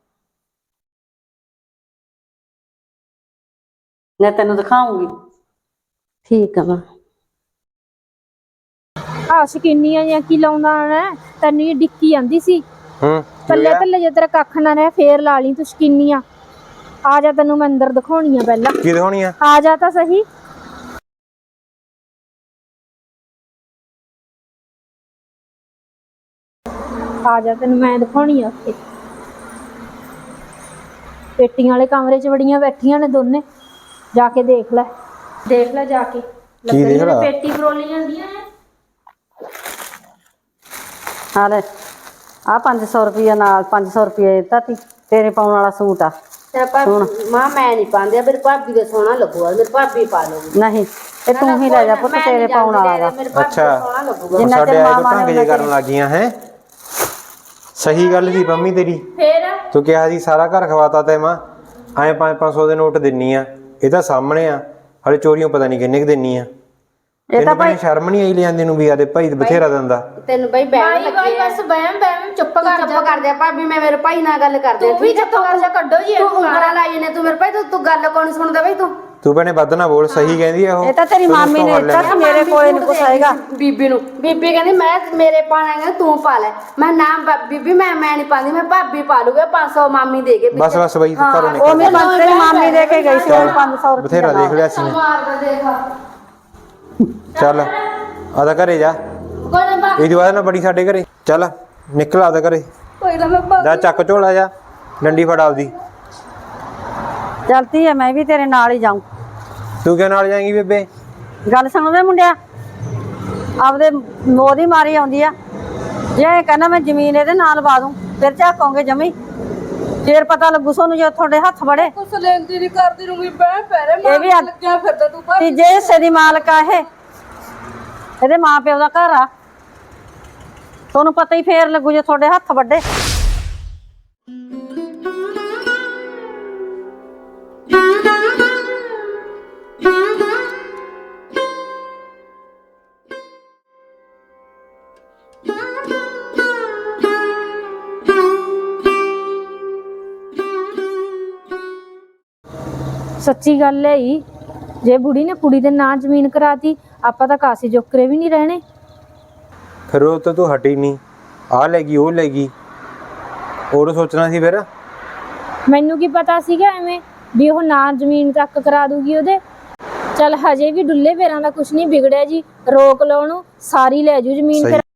[SPEAKER 4] ਮੈਂ ਤੈਨੂੰ ਦਿਖਾਉਂਗੀ।
[SPEAKER 5] ਠੀਕ ਹੈ ਮਾਂ।
[SPEAKER 3] ਆ ਸ਼ਕੀਨੀਆਂ ਜਾਂ ਕੀ ਲਾਉਂਦਾ ਹੈ ਤੈਨੂੰ ਇਹ ਡਿੱਕੀ ਆਂਦੀ ਸੀ ਥੱਲੇ ਥੱਲੇ ਜੇ ਤੇਰਾ ਕੱਖ ਨਾ ਰਹਿ ਫੇਰ ਲਾ ਲਈ ਤੂੰ ਸ਼ਕੀਨੀਆਂ। ਆ ਜਾ ਤੈਨੂੰ ਮੈਂ ਅੰਦਰ ਦਿਖਾਉਣੀ ਆ ਪਹਿਲਾਂ।
[SPEAKER 1] ਕੀ ਦਿਖਾਉਣੀ ਆ?
[SPEAKER 3] ਆ ਜਾ ਤਾਂ ਸਹੀ। ਆ ਜਾ ਤੈਨੂੰ ਮੈਂ ਦਿਖਾਉਣੀ ਆ ਉੱਥੇ ਪੇਟੀਆਂ ਵਾਲੇ ਕਮਰੇ 'ਚ ਬੜੀਆਂ ਬੈਠੀਆਂ ਨੇ ਦੋਨੇ। ਜਾ ਕੇ ਦੇਖ ਲੈ ਜਾ ਕੇ।
[SPEAKER 1] ਕੀ ਦੇਖ ਲਾ?
[SPEAKER 3] ਪੇਟੀ ਫਰੋਲੀ ਜਾਂਦੀਆਂ ਨੇ।
[SPEAKER 4] ਆ ਲੈ ਆ 500 ਰੁਪਇਆ ਨਾਲ 500 ਰੁਪਇਆ ਦਿੱਤਾ ਤੀ ਤੇਰੇ ਪਾਉਣ ਵਾਲਾ ਸੂਟ ਆ।
[SPEAKER 5] ਤੇ ਮਾਂ ਮੈਂ ਨਹੀਂ ਪਾਉਂਦੀ, ਮੇਰੀ ਭਾਬੀ ਦਾ ਸੋਹਣਾ ਲੱਗੂਗਾ, ਮੇਰੀ ਭਾਬੀ ਪਾ ਲਊਗੀ।
[SPEAKER 4] ਨਹੀਂ ਇਹ ਤੂੰ ਹੀ ਲੈ ਜਾ ਪੁੱਤ, ਤੇਰੇ ਪਾਉਣ ਵਾਲਾ ਗਾ।
[SPEAKER 1] ਅੱਛਾ
[SPEAKER 4] ਜਿੰਨਾ
[SPEAKER 1] ਸਾਡੇ
[SPEAKER 4] ਚਿਰ
[SPEAKER 1] ਆਏ
[SPEAKER 4] ਮਾਂ
[SPEAKER 1] ਤੋਂ
[SPEAKER 4] ਮਾਂ
[SPEAKER 1] ਢੰਗ ਜੇ ਕਰਨ ਲੱਗੀਆਂ ਹੈ। ਸਹੀ ਗੱਲ ਸੀ ਪੰਮੀ ਤੇਰੀ।
[SPEAKER 3] ਫੇਰ
[SPEAKER 1] ਤੂੰ ਕਿਹਾ ਸੀ ਸਾਰਾ ਘਰ ਖਵਾਤਾ ਤੇ ਮਾਂ ਐ 500 ਦੇ ਨੋਟ ਦਿੰਨੀ ਆ। ਇਹ ਤਾਂ ਸਾਹਮਣੇ ਆ, ਹਲੇ ਚੋਰੀਆਂ ਪਤਾ ਨਹੀਂ ਕਿੰਨੇ ਕੁ ਦਿੰਨੀ ਆ। ਇਹ ਤਾਂ ਭਾਈ ਸ਼ਰਮ ਨਹੀਂ ਆਈ ਲਿਆਂਦੀ ਨੂੰ ਵੀ ਆਦੇ ਭਾਈ ਬਥੇਰਾ ਦਿੰਦਾ।
[SPEAKER 5] ਤੈਨੂੰ ਬਈ ਬਹਿਮ ਲੱਗੀ ਐ।
[SPEAKER 3] ਬਸ ਬਹਿਮ ਚੁੱਪ
[SPEAKER 5] ਕਰ ਜਾ ਭਾਬੀ, ਮੈਂ ਮੇਰੇ ਭਾਈ ਨਾਲ ਗੱਲ ਕਰਦੇ।
[SPEAKER 3] ਤੂੰ ਵੀ ਚੁੱਪ ਕਰ ਜਾ, ਕੱਢੋ ਜੀ
[SPEAKER 5] ਤੂੰ ਉਂਗਲਾਂ ਲਾਈ ਨੇ, ਤੂੰ ਮੇਰੇ ਭਾਈ ਤੂੰ ਗੱਲ ਕੌਣ ਸੁਣਦਾ ਬਈ
[SPEAKER 1] ਤੂੰ ਭੈਣੇ ਵੱਧ ਨਾ ਬੋਲ, ਸਹੀ ਕਹਿੰਦੀ ਆ ਉਹ।
[SPEAKER 4] ਇਹ ਤਾਂ ਤੇਰੀ ਮਾਮੀ ਨੇ ਦਿੱਤਾ ਸੀ, ਮੇਰੇ ਕੋਲੇ ਨਹੀਂ ਕੁਛ ਆਏਗਾ।
[SPEAKER 5] ਬੀਬੀ ਨੂੰ ਬੀਬੀ ਕਹਿੰਦੀ ਮੈਂ ਮੇਰੇ ਪਾਣਾ ਤੂੰ ਪਾ ਲੈ। ਮੈਂ ਨਾਮ ਬੀਬੀ ਮੈਂ ਨਹੀਂ ਪਾਉਂਦੀ, ਮੈਂ ਭਾਬੀ ਪਾ ਲੂਗਾ। 500 ਮਾਮੀ ਦੇ ਕੇ
[SPEAKER 1] ਬਸ ਬਸ ਬਈ ਤੂੰ ਘਰੋਂ
[SPEAKER 4] ਉਹ
[SPEAKER 1] ਨਿਕਲ।
[SPEAKER 4] ਮੈਂ ਤੇਰੀ ਮਾਮੀ ਦੇ ਕੇ ਗਈ ਸੀ ਉਹ 500 ਰੁਪਇਆ
[SPEAKER 1] ਬਥੇਰਾ ਦੇਖ ਲਿਆ ਸੀ ਨੇ।
[SPEAKER 5] ਮਾਰਦਾ ਦੇਖ
[SPEAKER 1] ਚੱਲ ਆਦਾ ਘਰੇ ਜਾ। ਇਹ ਦੀ ਬਾਅਦ ਨਾ ਬੜੀ ਸਾਡੇ ਘਰੇ। ਚੱਲ ਨਿਕਲ ਆਦਾ ਘਰੇ।
[SPEAKER 5] ਕੋਈ ਨਾ ਮੈਂ
[SPEAKER 1] ਜਾ ਚੱਕ ਝੋਲਾ ਜਾ, ਡੰਡੀ ਫੜ ਆਪਦੀ।
[SPEAKER 4] ਚਲਤੀ ਐ ਮੈਂ ਵੀ ਤੇਰੇ ਨਾਲ ਹੀ ਜਾਊਂ।
[SPEAKER 1] ਤੂੰ ਕਿਉਂ ਨਾਲ ਜਾਏਂਗੀ ਬੇਬੇ?
[SPEAKER 4] ਗੱਲ ਸੁਣਦੇ ਮੁੰਡਿਆ, ਆਪਦੇ ਮੋਹ ਦੀ ਮਾਰੀ ਆਉਂਦੀ ਆ। ਜੇ ਇਹ ਕਹਿੰਦਾ ਮੈਂ ਜ਼ਮੀਨ ਇਹਦੇ ਨਾਲ ਲਵਾ ਦੂੰ ਫਿਰ ਝਾਕੋਗੇ ਜਮੀ, ਫੇਰ ਪਤਾ ਲੱਗੂ ਤੁਹਾਨੂੰ ਜੇ ਤੁਹਾਡੇ ਹੱਥ ਬੜੇ।
[SPEAKER 5] ਕੁਛ ਲੈਂਦੀ ਨਹੀਂ ਕਰਦੀ ਰਹੂੰਗੀ ਬਹਿ ਪੈਰੇ
[SPEAKER 4] ਇਹ ਵੀ
[SPEAKER 5] ਲੱਗਿਆ ਫਿਰਦਾ ਤੂੰ
[SPEAKER 4] ਤੀਜੇ ਹਿੱਸੇ ਦੀ ਮਾਲਕ ਆ ਇਹ, ਇਹਦੇ ਮਾਂ ਪਿਓ ਦਾ ਘਰ ਆ। ਤੁਹਾਨੂੰ ਪਤਾ ਹੀ ਫੇਰ ਲੱਗੂ ਜੇ ਤੁਹਾਡੇ ਹੱਥ ਵੱਡੇ।
[SPEAKER 3] ਸੱਚੀ ਗੱਲ ਹੈ ਹੀ, ਜੇ ਬੁੜੀ ਨੇ ਕੁੜੀ ਦੇ ਨਾਂ ਜ਼ਮੀਨ ਕਰਾਤੀ ਆਪਾਂ ਤਾਂ ਕਾਸੇ ਜੋਕਰੇ ਵੀ ਨਹੀਂ ਰਹਿਣੇ।
[SPEAKER 1] ਫਿਰ ਉਹ ਤਾਂ ਤੂੰ ਹਟੀ ਨਹੀਂ, ਆ ਲੈ ਗਈ ਉਹ ਲੈ ਗਈ, ਹੋਰ ਸੋਚਣਾ ਸੀ ਫਿਰ।
[SPEAKER 3] ਮੈਨੂੰ ਕੀ ਪਤਾ ਸੀਗਾ ਐਵੇਂ ਵੀ ਉਹ ਨਾਂ ਜ਼ਮੀਨ ਤੱਕ ਕਰਾ ਦੂਗੀ ਉਹਦੇ। ਚੱਲ ਹਜੇ ਵੀ ਡੁੱਲੇ ਪੈਰਾਂ ਦਾ ਕੁਝ ਨਹੀਂ ਵਿਗੜਿਆ ਜੀ, ਰੋਕ ਲਓ ਉਹਨੂੰ, ਸਾਰੀ ਲੈ ਜੂ ਜ਼ਮੀਨ। ਫਿਰ